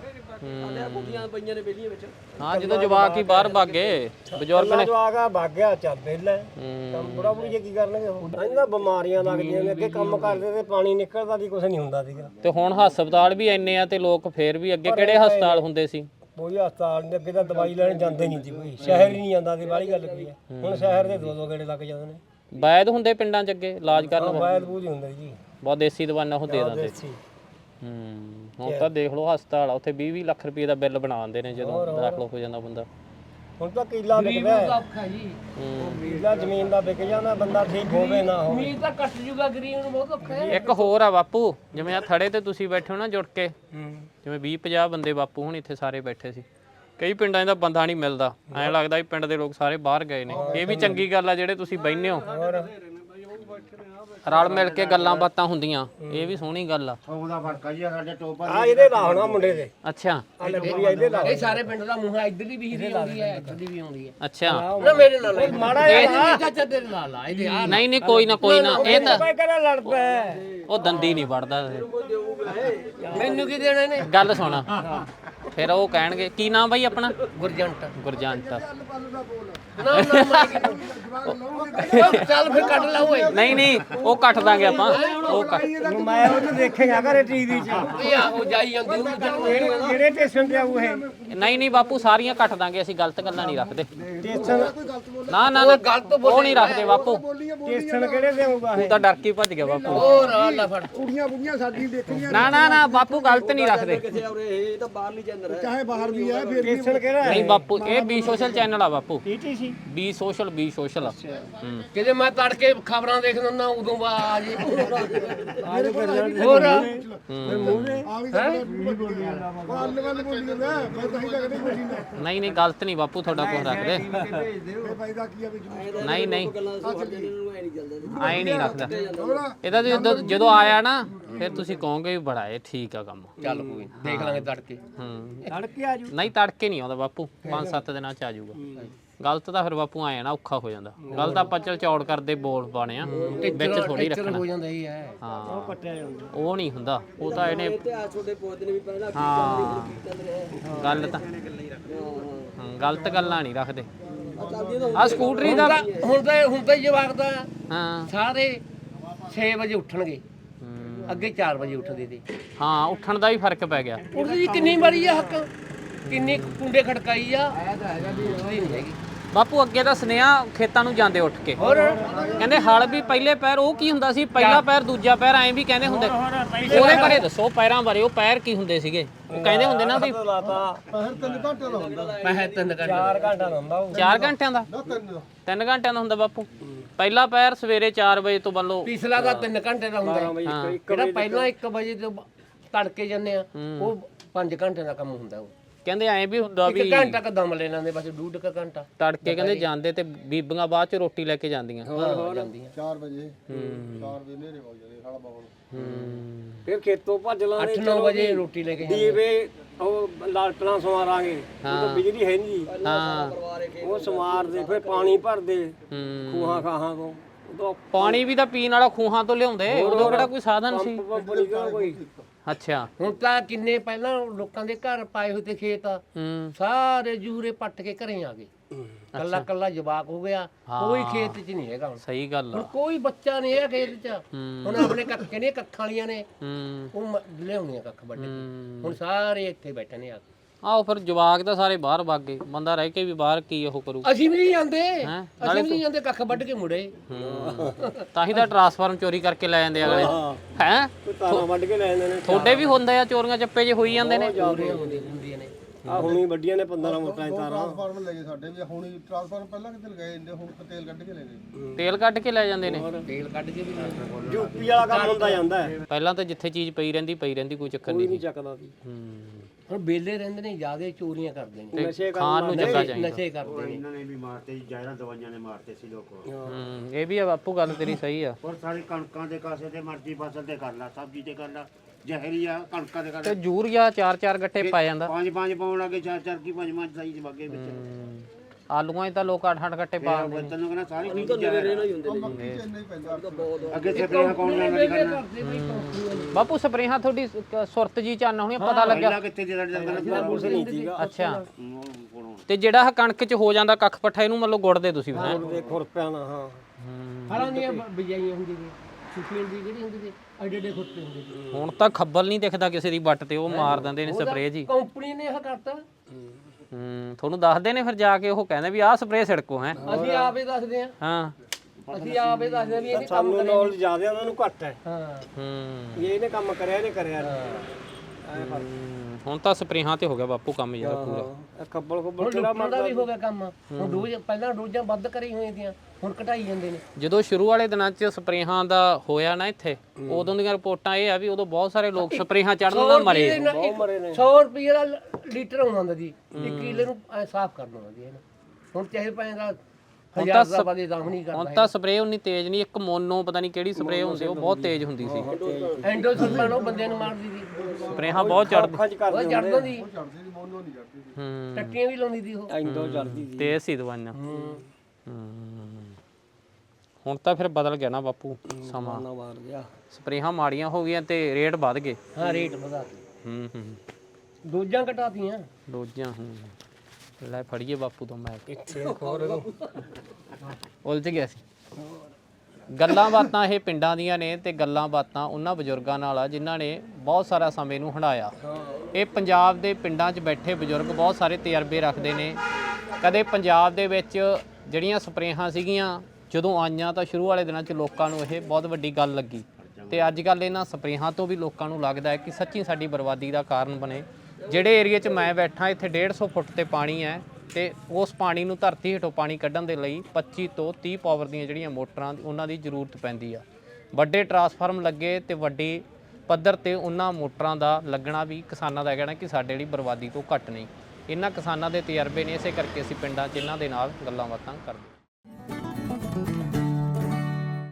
[SPEAKER 1] ਹਾਂ ਜਦੋਂ ਜਵਾਕ ਹੀ ਬਾਹਰ ਭੱਗ ਗਏ ਬਜ਼ੁਰਗ ਨੇ
[SPEAKER 2] ਜਵਾਕ ਆ ਵਗ ਗਿਆ ਚੱਲ ਵੇਲੇ ਕੰਮ ਬੁੜਾ ਬੁੜੀ ਜੇ ਕੀ ਕਰਨਗੇ ਉਹ ਇਹਨਾਂ ਬਿਮਾਰੀਆਂ ਲੱਗਦੀਆਂ ਨੇ ਅੱਗੇ ਕੰਮ ਕਰਦੇ ਤੇ ਪਾਣੀ ਨਿਕਲਦਾ ਦੀ ਕੁਝ ਨਹੀਂ ਹੁੰਦਾ ਸੀਗਾ
[SPEAKER 1] ਤੇ ਹੁਣ ਹਸਪਤਾਲ ਵੀ ਇੰਨੇ ਆ ਤੇ ਲੋਕ ਫੇਰ ਵੀ ਅੱਗੇ ਕਿਹੜੇ ਹਸਪਤਾਲ ਹੁੰਦੇ ਸੀ
[SPEAKER 2] ਕੋਈ ਹਸਪਤਾਲ ਨਹੀਂ ਅੱਗੇ ਤਾਂ ਦਵਾਈ ਲੈਣ ਜਾਂਦੇ ਨਹੀਂ ਸੀ ਕੋਈ ਸ਼ਹਿਰ ਹੀ ਨਹੀਂ ਜਾਂਦਾ ਸੀ ਬਾਹਲੀ ਗੱਲ ਕੀ ਹੈ ਹੁਣ ਸ਼ਹਿਰ ਦੇ ਦੋ ਗੇੜੇ ਲੱਗ ਜਾਂਦੇ ਨੇ
[SPEAKER 1] ਵੈਦ ਹੁੰਦੇ ਪਿੰਡਾਂ 'ਚ ਅੱਗੇ ਇਲਾਜ ਕਰਨ
[SPEAKER 2] ਬਾਇਦ ਬੂਝ ਹੁੰਦਾ ਜੀ
[SPEAKER 1] ਬਹੁਤ ਦੇਸੀ ਦਵਾਈਆਂ ਉਹ ਦੇ ਦਿੰਦੇ
[SPEAKER 2] ਦੇਸੀ
[SPEAKER 1] ਹੁਣ ਤਾਂ ਦੇਖ ਲਓ ਹਸਪਤਾਲ ਆ ਉੱਥੇ 20 ਲੱਖ ਰੁਪਏ ਦਾ ਬਿੱਲ ਬਣਾ ਦਿੰਦੇ ਨੇ ਜਦੋਂ ਦਾਖਲ ਹੋ ਜਾਂਦਾ ਬੰਦਾ
[SPEAKER 2] ਹੁਣ ਤਾਂ ਕਿੱਲਾ ਵਿਕਦਾ ਹੈ
[SPEAKER 3] ਔਖਾ ਜੀ
[SPEAKER 2] ਕਿੱਲਾ ਜ਼ਮੀਨ ਦਾ ਵਿਕ ਜਾਂਦਾ ਬੰਦਾ ਠੀਕ ਹੋਵੇ ਨਾ ਹੋਵੇ
[SPEAKER 3] ਉਮੀਦ ਤਾਂ ਕੱਟ ਜੂਗਾ ਗਰੀਬ ਨੂੰ ਬਹੁਤ ਔਖਾ ਹੈ
[SPEAKER 1] ਇੱਕ ਹੋਰ ਆ ਬਾਪੂ ਜਿਵੇਂ ਆ ਥੜੇ ਤੇ ਤੁਸੀਂ ਬੈਠੇ ਹੋ ਨਾ ਜੁੜ ਕੇ ਜਿਵੇਂ 20-50 ਬੰਦੇ ਬਾਪੂ ਹੁਣ ਇੱਥੇ ਸਾਰੇ ਬੈਠੇ ਸੀ ਕਈ ਪਿੰਡਾਂ 'ਚ ਤਾਂ ਬੰਦਾ ਨਹੀਂ ਮਿਲਦਾ ਐਂ ਲੱਗਦਾ ਵੀ ਪਿੰਡ ਦੇ ਲੋਕ ਸਾਰੇ ਬਾਹਰ ਗਏ ਨੇ ਇਹ ਵੀ ਚੰਗੀ ਗੱਲ ਆ ਜਿਹੜੇ ਤੁਸੀਂ ਬੈਠੇ ਹੋ ਰਲ ਮਿਲ ਕੇ ਗੱਲਾਂ ਬਾਤਾਂ ਹੁੰਦੀਆਂ ਇਹ ਵੀ ਸੋਹਣੀ ਗੱਲ ਆ
[SPEAKER 5] ਉਹਦਾ ਫਰਕ ਆ ਜੀ ਸਾਡੇ ਟੋਪਾ
[SPEAKER 2] ਆ ਇਹਦੇ ਲਾ ਹੋਣਾ ਮੁੰਡੇ ਦੇ
[SPEAKER 1] ਅੱਛਾ
[SPEAKER 2] ਆ ਲੱਗੀ ਇਹਦੇ ਲਾ
[SPEAKER 3] ਇਹ ਸਾਰੇ ਪਿੰਡ ਦਾ ਮੂੰਹ ਇੱਧਰਲੀ ਵੀ ਹੀਰੀ ਆਉਂਦੀ ਹੈ ਇੱਧਰ ਦੀ ਵੀ ਆਉਂਦੀ ਹੈ
[SPEAKER 1] ਅੱਛਾ
[SPEAKER 3] ਨਾ ਮੇਰੇ ਨਾਲ
[SPEAKER 2] ਮਾੜਾ
[SPEAKER 3] ਇਹ ਚਾਚਾ ਤੇਰੇ ਨਾਲ ਆ ਇਹਦੇ ਆ
[SPEAKER 1] ਨਹੀਂ ਨਹੀਂ ਕੋਈ ਨਾ ਇਹ ਤਾਂ
[SPEAKER 2] ਕੋਈ ਕਹਿੰਦਾ ਲੜ ਪਿਆ
[SPEAKER 1] ਉਹ ਦੰਦੀ ਨਹੀਂ ਵੜਦਾ
[SPEAKER 3] ਮੈਨੂੰ ਕੀ ਦੇਣਾ ਇਹਨੇ
[SPEAKER 1] ਗੱਲ ਸੁਣ ਫਿਰ ਉਹ ਕਹਿਣਗੇ ਕੀ ਨਾਮ ਬਾਈ ਆਪਣਾ?
[SPEAKER 3] ਗੁਰਜੰਟ
[SPEAKER 1] ਗੁਰਜੰਟ।
[SPEAKER 3] ਨਾ ਚੱਲ ਫਿਰ ਕੱਢ ਲਾ ਓਏ।
[SPEAKER 1] ਨਹੀਂ ਉਹ ਕੱਟ ਦਾਂਗੇ ਆਪਾਂ, ਉਹ ਕੱਟ।
[SPEAKER 2] ਮੈਂ ਉਹ ਦੇਖੇਗਾ ਘਰੇ ਟੀਵੀ 'ਚ
[SPEAKER 3] ਇਹ ਆਹੋ ਜਾਈ ਜਾਂਦੀ ਉਹਨੂੰ ਚੱਲ
[SPEAKER 2] ਜਿਹੜੇ ਸਟੇਸ਼ਨ ਤੇ ਆਊ ਇਹ
[SPEAKER 1] ਨਹੀਂ ਬਾਪੂ ਸਾਰੀਆਂ ਕੱਟ ਦਾਂਗੇ ਅਸੀਂ, ਗਲਤ ਗੱਲਾਂ ਨਹੀਂ ਰੱਖਦੇ।
[SPEAKER 2] ਸਟੇਸ਼ਨ
[SPEAKER 1] ਨਾ
[SPEAKER 3] ਗਲਤ
[SPEAKER 1] ਉਹ ਨਹੀਂ ਰੱਖਦੇ ਬਾਪੂ।
[SPEAKER 2] ਸਟੇਸ਼ਨ ਕਿਹੜੇ ਤੇ ਆਊਗਾ
[SPEAKER 1] ਤੂੰ ਤਾਂ ਡਰ ਕੇ ਭੱਜ ਗਿਆ ਬਾਪੂ।
[SPEAKER 3] ਹੋਰ ਆ ਲੈ ਫੜ
[SPEAKER 4] ਕੁੜੀਆਂ ਬੁੜੀਆਂ ਸਾਡੀ ਦੇਖਣੀਆਂ
[SPEAKER 1] ਨਾ ਬਾਪੂ ਗਲਤ ਨਹੀਂ ਰੱਖਦੇ।
[SPEAKER 4] ਚਾਹੇ ਬਾਹਰ ਵੀ ਆ ਫਿਰ
[SPEAKER 2] ਸਟੇਸ਼ਨ ਕਿਹੜਾ ਹੈ?
[SPEAKER 1] ਨਹੀਂ ਬਾਪੂ ਇਹ ਬੀ ਸੋਸ਼ਲ ਚੈਨਲ ਆ ਬਾਪੂ।
[SPEAKER 2] TTC
[SPEAKER 1] ਬੀ ਸੋਸ਼ਲ
[SPEAKER 3] ਕਿਤੇ ਮੈਂ ਤੜਕੇ ਖਬਰਾਂ ਦੇਖ ਦਿੰਦਾ ਉਦੋਂ ਆ ਜੇ
[SPEAKER 4] ਆ
[SPEAKER 3] ਹੋਰ
[SPEAKER 4] ਵੀ ਸਾਡੇ ਵੱਲ ਵੱਲ ਬੋਲੀ ਜਾਂਦਾ ਮੈਂ ਤਾਂ ਹੀ ਲੱਗਦੇ ਬੋਲੀ ਨਾ
[SPEAKER 1] ਨਹੀਂ ਗਲਤ ਨਹੀਂ ਬਾਪੂ ਤੁਹਾਡਾ ਕੁਝ ਰੱਖਦੇ।
[SPEAKER 4] ਇਹ ਫਾਇਦਾ ਕੀ ਆ ਵੀ
[SPEAKER 1] ਨਹੀਂ ਆਏ ਨਹੀਂ ਰੱਖਦਾ ਇਹਦਾ। ਜਦੋਂ ਆਇਆ ਨਾ ਫਿਰ ਤੁਸੀਂ ਕਹੋਗੇ ਵੀ ਬੜਾ ਇਹ ਠੀਕ ਆ ਕੰਮ।
[SPEAKER 3] ਚੱਲ ਕੋਈ ਦੇਖ ਲਾਂਗੇ ਤੜਕੇ।
[SPEAKER 2] ਤੜਕੇ ਆ ਜੂ
[SPEAKER 1] ਨਹੀਂ ਤੜਕੇ ਨਹੀਂ ਆਉਂਦਾ ਬਾਪੂ, 5-7 ਦਿਨਾਂ ਚ ਆ ਜਾਊਗਾ। ਗਲਤ ਤਾਂ ਫਿਰ ਬਾਪੂ ਆਇਆ ਨਾ ਔਖਾ ਹੋ ਜਾਂਦਾ। ਗਲਤ ਆਪਾਂ ਚੌੜ ਕਰਦੇ ਬੋਲ ਪਾਣੇ ਆ ਵਿੱਚ ਥੋੜੀ ਰੱਖਣਾ
[SPEAKER 3] ਹੋ ਜਾਂਦਾ ਹੀ ਹੈ।
[SPEAKER 1] ਹਾਂ
[SPEAKER 2] ਕੱਟਿਆ ਜਾਂਦਾ
[SPEAKER 1] ਉਹ ਨਹੀਂ ਹੁੰਦਾ, ਉਹ ਤਾਂ ਇਹਨੇ ਹਾਂ ਗੱਲ ਤਾਂ ਗਲਤ ਗੱਲਾਂ ਨਹੀਂ ਰੱਖਦੇ। ਆ ਸਕੂਟਰੀ ਦਾ
[SPEAKER 3] ਹੁਣ ਤਾਂ ਜਵਾਕ ਦਾ
[SPEAKER 1] ਹਾਂ
[SPEAKER 3] ਸਾਰੇ 6 ਵਜੇ ਉੱਠਣਗੇ, ਅੱਗੇ 4 ਵਜੇ ਉੱਠਦੇ ਤੇ।
[SPEAKER 1] ਹਾਂ ਉੱਠਣ ਦਾ ਵੀ ਫਰਕ ਪੈ ਗਿਆ।
[SPEAKER 3] ਉਹਦੀ ਕਿੰਨੀ ਵਾਰੀ ਆ ਹੱਕ, ਕਿੰਨੇ ਕੁੰਡੇ ਖੜਕਾਈ ਆ, ਉੱਠਦੀ ਨਹੀਂ ਹੈਗੀ।
[SPEAKER 1] ਬਾਪੂ ਅੱਗੇ ਤਾਂ ਸੁਨੇਹਾ ਖੇਤਾਂ ਨੂੰ ਜਾਂਦੇ ਉੱਠ ਕੇ,
[SPEAKER 3] ਹੋਰ
[SPEAKER 1] ਕਹਿੰਦੇ ਹਲ ਵੀ ਪਹਿਲੇ ਪੈਰ ਉਹ ਕੀ ਹੁੰਦਾ ਸੀ, ਪਹਿਲਾ ਪੈਰ ਦੂਜਾ ਪੈਰ ਐਂ ਵੀ ਕਹਿੰਦੇ ਹੁੰਦੇ। ਉਹਦੇ ਬਾਰੇ ਦੱਸੋ ਪੈਰਾਂ ਬਾਰੇ, ਉਹ ਪੈਰ ਕੀ ਹੁੰਦੇ ਸੀਗੇ? ਉਹ ਕਹਿੰਦੇ ਹੁੰਦੇ ਨਾ ਵੀ
[SPEAKER 2] ਲਾਤਾ
[SPEAKER 4] ਪਹਿਰ 3 ਘੰਟੇ ਦਾ ਹੁੰਦਾ
[SPEAKER 3] ਮੈਂ 3 ਘੰਟੇ
[SPEAKER 2] 4 ਘੰਟਾ ਦਾ ਹੁੰਦਾ ਉਹ
[SPEAKER 1] 4 ਘੰਟਿਆਂ ਦਾ, 3 ਘੰਟਿਆਂ ਦਾ ਹੁੰਦਾ ਬਾਪੂ। ਪਹਿਲਾ ਪੈਰ ਸਵੇਰੇ 4 ਵਜੇ ਤੋਂ ਵੱਲੋਂ
[SPEAKER 3] ਪਿਛਲਾ ਦਾ 3 ਘੰਟੇ ਦਾ ਹੁੰਦਾ ਹੈ। ਜਿਹੜਾ ਪਹਿਲਾਂ 1 ਵਜੇ ਤੋਂ ਤੜਕੇ ਜਾਂਦੇ ਆ ਉਹ 5 ਘੰਟੇ ਦਾ ਕੰਮ ਹੁੰਦਾ। ਉਹ
[SPEAKER 1] ਕਹਿੰਦੇ ਐਂ ਵੀ ਹੁੰਦਾ ਵੀ
[SPEAKER 3] 1 ਘੰਟਾ ਕ ਦਮ ਲੈ ਲੈਂਦੇ, ਬਸ 1.5 ਘੰਟਾ
[SPEAKER 1] ਤੜਕੇ ਕਹਿੰਦੇ ਜਾਂਦੇ ਤੇ ਬੀਬੀਆਂ ਬਾਅਦ ਚ ਰੋਟੀ ਲੈ ਕੇ ਜਾਂਦੀਆਂ।
[SPEAKER 3] ਜਾਂਦੀਆਂ
[SPEAKER 4] 4 ਵਜੇ 4 ਵਜੇ ਨੇਰੇ ਹੋ ਜਾਂਦੇ ਸਾਲਾ ਬਾਬਾ
[SPEAKER 2] ਫਿਰ ਖੇਤੋਂ ਭੱਜ ਲਾਂਗੇ
[SPEAKER 3] 8-9 ਵਜੇ ਰੋਟੀ ਲੈ ਕੇ ਜਾਂਦੇ।
[SPEAKER 2] ਦੀਵੇ ਉਹ ਲਾਲਟਣਾ ਸਵਾਰਾਂਗੇ, ਉਹ ਤਾਂ ਬਿਜਲੀ ਹੈ ਨਹੀਂ।
[SPEAKER 1] ਹਾਂ
[SPEAKER 2] ਉਹ ਸਮਾਰਦੇ ਫਿਰ ਪਾਣੀ ਭਰਦੇ ਖੂਹਾਂ ਖਾਹਾਂ ਤੋਂ। ਉਦੋਂ
[SPEAKER 1] ਪਾਣੀ ਵੀ ਤਾਂ ਪੀਣ ਵਾਲਾ ਖੂਹਾਂ ਤੋਂ ਲਿਆਉਂਦੇ, ਉਦੋਂ ਕਿਹੜਾ ਕੋਈ ਸਾਧਨ ਸੀ?
[SPEAKER 2] ਪੰਪ ਬਣੀ ਕੋਈ
[SPEAKER 1] ਅੱਛਾ
[SPEAKER 3] ਹੁਣ ਤਾਂ ਕਿੰਨੇ ਪਹਿਲਾਂ ਲੋਕਾਂ ਦੇ ਘਰ ਪਾਏ ਹੋਏ ਤੇ ਖੇਤ ਆ, ਸਾਰੇ ਜੂਰੇ ਪੱਟ ਕੇ ਘਰੇ ਆ ਗਏ। ਕੱਲਾ ਕੱਲਾ ਜਵਾਕ ਹੋ ਗਿਆ, ਕੋਈ ਖੇਤ 'ਚ ਨਹੀਂ ਹੈਗਾ ਹੁਣ।
[SPEAKER 1] ਸਹੀ ਗੱਲ
[SPEAKER 3] ਹੁਣ
[SPEAKER 1] ਆ।
[SPEAKER 3] ਕੋਈ ਬੱਚਾ ਨਹੀਂ ਹੈ ਖੇਤ 'ਚ। ਹੁਣ ਆਪਣੇ ਕੱਖੇ ਨੇ, ਕੱਖਾਂ ਵਾਲੀਆਂ ਨੇ ਉਹ ਲਿਆਉਣੀਆਂ ਕੱਖ ਵੱਢ ਕੇ। ਹੁਣ ਸਾਰੇ ਇੱਥੇ ਬੈਠੇ ਨੇ ਆ ਕੇ।
[SPEAKER 1] ਆਹੋ ਫਿਰ ਜਵਾਕ ਤਾਂ ਸਾਰੇ ਬਾਹਰ ਵਗ ਗਏ, ਬੰਦਾ ਰਹਿ ਕੇ ਵੀ ਬਾਹਰ ਕੀ ਉਹ ਕਰੂ?
[SPEAKER 3] ਅਸੀਂ ਵੀ ਨਹੀਂ ਜਾਂਦੇ, ਅਸੀਂ ਵੀ ਨਹੀਂ ਜਾਂਦੇ, ਕੱਖ ਵੱਢ ਕੇ ਮੁੜੇ।
[SPEAKER 1] ਤਾਂ ਹੀ ਤਾਂ ਟਰਾਂਸਫਾਰਮ ਚੋਰੀ ਕਰਕੇ ਲੈ ਜਾਂਦੇ ਅਗਲੇ ਹੈ।
[SPEAKER 2] ਤਾਰਾਂ ਵੱਢ ਕੇ ਲੈ ਜਾਂਦੇ ਨੇ।
[SPEAKER 1] ਤੁਹਾਡੇ ਵੀ ਹੁੰਦੇ ਆ ਚੋਰੀਆਂ ਚੱਪੇ ਜੇ ਹੋਈ ਜਾਂਦੇ ਨੇ।
[SPEAKER 3] ਹੁੰਦੀਆਂ ਨੇ
[SPEAKER 2] ਆ ਹੁਣੀ ਵੱਡੀਆਂ ਨੇ 15 ਮੋਟਾਂ ਤਾਰਾਂ।
[SPEAKER 4] ਟ੍ਰਾਂਸਫਾਰਮਰ ਲੈ ਗਏ ਸਾਡੇ ਵੀ, ਹੁਣ ਟ੍ਰਾਂਸਫਾਰਮਰ ਪਹਿਲਾਂ ਕਿੱਥੇ ਲਗਾਏ ਇੰਨੇ, ਹੁਣ ਤੇਲ ਕੱਢ ਕੇ ਲੈ ਗਏ।
[SPEAKER 1] ਤੇਲ ਕੱਢ ਕੇ ਲੈ ਜਾਂਦੇ ਨੇ।
[SPEAKER 3] ਤੇਲ ਕੱਢ ਕੇ ਵੀ
[SPEAKER 2] ਯੂਪੀ ਵਾਲਾ ਕੰਮ ਹੁੰਦਾ ਜਾਂਦਾ ਹੈ,
[SPEAKER 1] ਪਹਿਲਾਂ ਤਾਂ ਜਿੱਥੇ ਚੀਜ਼ ਪਈ ਰਹਿੰਦੀ ਕੋਈ ਚੱਕਰ ਨਹੀਂ।
[SPEAKER 2] ਨਹੀਂ ਚੱਕਦਾ ਸੀ।
[SPEAKER 3] ਹੁਣ ਬੇਲੇ ਰਹਿੰਦੇ ਨੇ, ਜਿਆਦੇ ਚੋਰੀਆਂ ਕਰਦੇ ਨੇ,
[SPEAKER 2] ਨਸ਼ੇ
[SPEAKER 1] ਖਾਣ ਨੂੰ ਜੱਗਾ ਚਾਹੀਦਾ।
[SPEAKER 3] ਨਸ਼ੇ ਕਰਦੇ ਨੇ।
[SPEAKER 5] ਇਹਨਾਂ ਨੇ ਵੀ ਮਾਰਤੇ ਜੀ, ਜ਼ਾਹਿਰਾਂ ਦਵਾਈਆਂ ਨੇ ਮਾਰਤੇ ਸੀ ਲੋਕ।
[SPEAKER 1] ਇਹ ਵੀ ਆ ਬਾਪੂ, ਗੱਲ ਤੇਰੀ ਸਹੀ ਆ।
[SPEAKER 5] ਔਰ ਸਾਰੀ ਕਣਕਾਂ ਦੇ ਕਾਸੇ ਤੇ ਮਰਜ਼ੀ ਫਸਲ ਤੇ ਕਰ ਲਾ, ਸਬਜ਼ੀ ਤੇ ਕਰ ਲਾ, ਜ਼ਹਿਰੀਆ ਕਣਕਾਂ ਦੇ ਕਰ
[SPEAKER 1] ਤੇ ਯੂਰੀਆ 4-4 ਗੱਟੇ ਪਾ ਜਾਂਦਾ।
[SPEAKER 5] 5-5 ਪਾਉਣ ਲੱਗੇ, 4-4 ਕੀ 5-5 ਸਾਈ ਚ ਵਗੇ ਵਿੱਚ।
[SPEAKER 1] ਆਲੂਆਂ 'ਚ ਤਾਂ ਲੋਕ 8-8 ਗੱਟੇ ਪਾ ਦਿੰਦੇ ਨੇ।
[SPEAKER 5] ਤੈਨੂੰ ਕਹਿੰਦਾ ਸਾਰੀ ਚੀਜ਼ ਜ਼ਹਿਰ ਆ।
[SPEAKER 4] ਮੱਕੀ ਚ ਇੰਨਾ ਹੀ ਪੈਂਦਾ
[SPEAKER 5] ਅੱਗੇ ਸਪਰੇਆਂ ਕੌਣ ਲਾਉਂਦਾ ਸੀ ਕਰਨਾ?
[SPEAKER 1] ਬਾਪੂ ਸਪਰੇਹਾਂ ਤੁਹਾਡੀ ਸੁਰਤ ਜੀ ਚੰਨ ਹੋਣੀ, ਪਤਾ ਲੱਗਿਆ।
[SPEAKER 5] ਪਹਿਲਾਂ ਕਿੱਥੇ ਜਿਹੜਾ ਜੰਗਲ
[SPEAKER 2] ਕੁਛ ਨਹੀਂ ਸੀਗਾ।
[SPEAKER 1] ਅੱਛਾ ਤੇ ਜਿਹੜਾ ਆਹ ਕਣਕ 'ਚ ਹੋ ਜਾਂਦਾ ਕੱਖ ਪੱਠਾ, ਇਹਨੂੰ ਮਤਲਬ ਗੁੜਦੇ ਤੁਸੀਂ ਹੈਂ?
[SPEAKER 2] ਦੇ ਖੁਰਪਿਆਂ ਨਾਲ ਹਾਂ।
[SPEAKER 3] ਫਲਾਂ ਦੀਆਂ ਬਿਜਾਈਆਂ ਹੁੰਦੀਆਂ ਸੀ, ਸੁਪੀਆਂ ਦੀ ਜਿਹੜੀ ਹੁੰਦੀ ਸੀ, ਐਡੇ ਖੁਰਪੇ ਹੁੰਦੇ ਸੀ।
[SPEAKER 1] ਹੁਣ ਤਾਂ ਖੱਬਲ ਨਹੀਂ ਦਿਖਦਾ ਕਿਸੇ ਦੀ ਵੱਟ ਤੇ, ਉਹ ਮਾਰ ਦਿੰਦੇ ਨੇ ਸਪਰੇਅ ਜੀ।
[SPEAKER 3] ਕੰਪਨੀ ਨੇ ਇਹ ਕਰਤਾ।
[SPEAKER 1] ਤੁਹਾਨੂੰ ਦੱਸਦੇ ਨੇ ਫਿਰ ਜਾ ਕੇ, ਉਹ ਕਹਿੰਦੇ ਵੀ ਆਹ ਸਪਰੇਅ ਛਿੜਕੋ ਹੈ।
[SPEAKER 3] ਅਸੀਂ ਆਪੇ ਦੱਸਦੇ ਆ,
[SPEAKER 1] ਹਾਂ
[SPEAKER 3] ਅਸੀਂ ਆਪੇ ਦੱਸਦੇ ਆ ਵੀ ਇਹਨੇ ਕੰਮ
[SPEAKER 2] ਸਾਨੂੰ ਨੌਲੇਜ ਜ਼ਿਆਦਾ, ਉਹਨਾਂ ਨੂੰ ਘੱਟ ਹੈ।
[SPEAKER 3] ਹਾਂ
[SPEAKER 2] ਇਹ ਇਹਨੇ ਕੰਮ ਕਰਿਆ, ਇਹਨੇ ਕਰਿਆ
[SPEAKER 1] ਹੁਣ ਤਾਂ ਸਪਰੇਹਾਂ ਤੇ ਹੋ ਗਿਆ ਬਾਪੂ ਕੰਮ ਜਿਹੜਾ ਪੂਰਾ।
[SPEAKER 2] ਖੱਬਲ ਖੁੱਬਲ
[SPEAKER 3] ਹੁਣ ਲੁੱਟਣ ਦਾ ਵੀ ਹੋ ਗਿਆ ਕੰਮ। ਹੁਣ ਡੋਜ਼ ਪਹਿਲਾਂ ਡੋਜ਼ਾਂ ਵੱਧ ਕਰੀ ਹੋਈਆਂ ਦੀਆਂ, ਹੁਣ ਘਟਾਈ ਜਾਂਦੇ ਨੇ।
[SPEAKER 1] ਜਦੋਂ ਸ਼ੁਰੂ ਵਾਲੇ ਦਿਨਾਂ 'ਚ ਸਪਰੇਹਾਂ ਦਾ ਹੋਇਆ ਨਾ ਇੱਥੇ, ਉਦੋਂ ਦੀਆਂ ਰਿਪੋਰਟਾਂ ਇਹ ਆ ਵੀ ਉਦੋਂ ਬਹੁਤ ਸਾਰੇ ਲੋਕ ਸਪਰੇਹਾਂ ਚੜਨ ਨਾਲ ਮਰੇ।
[SPEAKER 3] 100 ਰੁਪਏ ਦਾ ਲੀਟਰ ਆਉਂਦਾ ਹੁੰਦਾ ਜੀ, 1 ਕਿੱਲੇ ਨੂੰ ਐ ਸਾਫ਼ ਕਰ ਦਿੰਦਾ ਜੀ ਇਹਨੂੰ। ਹੁਣ ਚਾਹੇ ਭਾਵੇਂ ਦਾ 1000 ਦਾ ਬਾਦੇ ਦਾਮ ਨਹੀਂ ਕਰਦਾ।
[SPEAKER 1] ਹੁਣ ਤਾਂ ਸਪਰੇਅ ਉਨੀ ਤੇਜ਼ ਨਹੀਂ, ਇੱਕ ਮੋਨੋ ਪਤਾ ਨਹੀਂ ਕਿਹੜੀ ਸਪਰੇਅ ਹੁੰਦੀ, ਉਹ ਬਹੁਤ ਤੇਜ਼ ਹੁੰਦੀ ਸੀ।
[SPEAKER 3] ਐਂਡੋਸਲਫਾਨ ਉਹ ਬੰਦਿਆਂ ਨੂੰ ਮਾਰਦੀ ਸੀ,
[SPEAKER 1] ਸਪਰੇਹਾਂ ਬਹੁਤ ਚੜਦੀ।
[SPEAKER 2] ਖੱਜ ਕਰ
[SPEAKER 3] ਉਹ ਚੜਦਾ ਸੀ,
[SPEAKER 4] ਚੜਦੀ ਦੀ ਮੋਨੋ ਨਹੀਂ ਚੜਦੀ ਸੀ।
[SPEAKER 3] ਟੱਟੀਆਂ ਵੀ ਲਾਉਂਦੀ ਸੀ ਉਹ।
[SPEAKER 2] ਐਂਡੋ ਚੜਦੀ ਸੀ।
[SPEAKER 1] ਤੇਜ਼ ਸੀ ਦਵਾਈਆਂ। ਹੁਣ ਤਾਂ ਫਿਰ ਬਦਲ ਗਿਆ ਨਾ ਬਾਪੂ ਸਮਾਂ,
[SPEAKER 2] ਨਾ ਮਾਰ ਗਿਆ।
[SPEAKER 1] ਸਪਰੇਹਾਂ ਮਾੜੀਆਂ ਹੋ ਗਈਆਂ ਤੇ ਰੇਟ ਵੱਧ ਗਏ।
[SPEAKER 3] ਹਾਂ ਰੇਟ ਵਧਾ ਦਿੱਤੇ। ਦੋਜਾਂ ਘਟਾਤੀਆਂ
[SPEAKER 1] ਡੋਜਾਂ ਲੈ ਫੜੀਏ ਬਾਪੂ ਤੋਂ ਮੈਂ
[SPEAKER 2] ਇੱਥੇ ਖੋਰ ਨੂੰ
[SPEAKER 1] ਉਲਝ ਗਿਆ ਸੀ। ਗੱਲਾਂ ਬਾਤਾਂ ਇਹ ਪਿੰਡਾਂ ਦੀਆਂ ਨੇ ਤੇ ਗੱਲਾਂ ਬਾਤਾਂ ਉਹਨਾਂ ਬਜ਼ੁਰਗਾਂ ਨਾਲ ਆ ਜਿਨ੍ਹਾਂ ਨੇ ਬਹੁਤ ਸਾਰਾ ਸਮੇਂ ਨੂੰ ਹੰਢਾਇਆ। ਇਹ ਪੰਜਾਬ ਦੇ ਪਿੰਡਾਂ 'ਚ ਬੈਠੇ ਬਜ਼ੁਰਗ ਬਹੁਤ ਸਾਰੇ ਤਜਰਬੇ ਰੱਖਦੇ ਨੇ। ਕਦੇ ਪੰਜਾਬ ਦੇ ਵਿੱਚ ਜਿਹੜੀਆਂ ਸਪਰੇਹਾਂ ਸੀਗੀਆਂ ਜਦੋਂ ਆਈਆਂ ਤਾਂ ਸ਼ੁਰੂ ਵਾਲੇ ਦਿਨਾਂ 'ਚ ਲੋਕਾਂ ਨੂੰ ਇਹ ਬਹੁਤ ਵੱਡੀ ਗੱਲ ਲੱਗੀ ਤੇ ਅੱਜ ਕੱਲ੍ਹ ਇਹਨਾਂ ਸਪਰੇਹਾਂ ਤੋਂ ਵੀ ਲੋਕਾਂ ਨੂੰ ਲੱਗਦਾ ਹੈ ਕਿ ਸੱਚੀ ਸਾਡੀ ਬਰਬਾਦੀ ਦਾ ਕਾਰਨ ਬਣੇ। ਜਿਹੜੇ ਏਰੀਏ 'ਚ ਮੈਂ ਬੈਠਾ ਇੱਥੇ 150 ਫੁੱਟ ਤੇ ਪਾਣੀ ਹੈ ਤੇ ਉਸ ਪਾਣੀ ਨੂੰ ਧਰਤੀ ਹੇਠੋਂ ਪਾਣੀ ਕੱਢਣ ਦੇ ਲਈ 25 ਤੋਂ 30 ਪਾਵਰ ਦੀਆਂ ਜਿਹੜੀਆਂ ਮੋਟਰਾਂ ਉਹਨਾਂ ਦੀ ਜ਼ਰੂਰਤ ਪੈਂਦੀ ਆ। ਵੱਡੇ ਟਰਾਂਸਫਾਰਮ ਲੱਗੇ ਤੇ ਵੱਡੀ ਪੱਧਰ ਤੇ ਉਹਨਾਂ ਮੋਟਰਾਂ ਦਾ ਲੱਗਣਾ ਵੀ ਕਿਸਾਨਾਂ ਦਾ ਕਹਿਣਾ ਕਿ ਸਾਡੇ ਲਈ ਬਰਬਾਦੀ ਤੋਂ ਘੱਟ ਨਹੀਂ। ਇਹਨਾਂ ਕਿਸਾਨਾਂ ਦੇ ਤਜਰਬੇ ਨੇ, ਇਸੇ ਕਰਕੇ ਅਸੀਂ ਪਿੰਡਾਂ 'ਚ ਇਹਨਾਂ ਦੇ ਨਾਲ ਗੱਲਾਂ ਬਾਤਾਂ ਕਰਦੇ।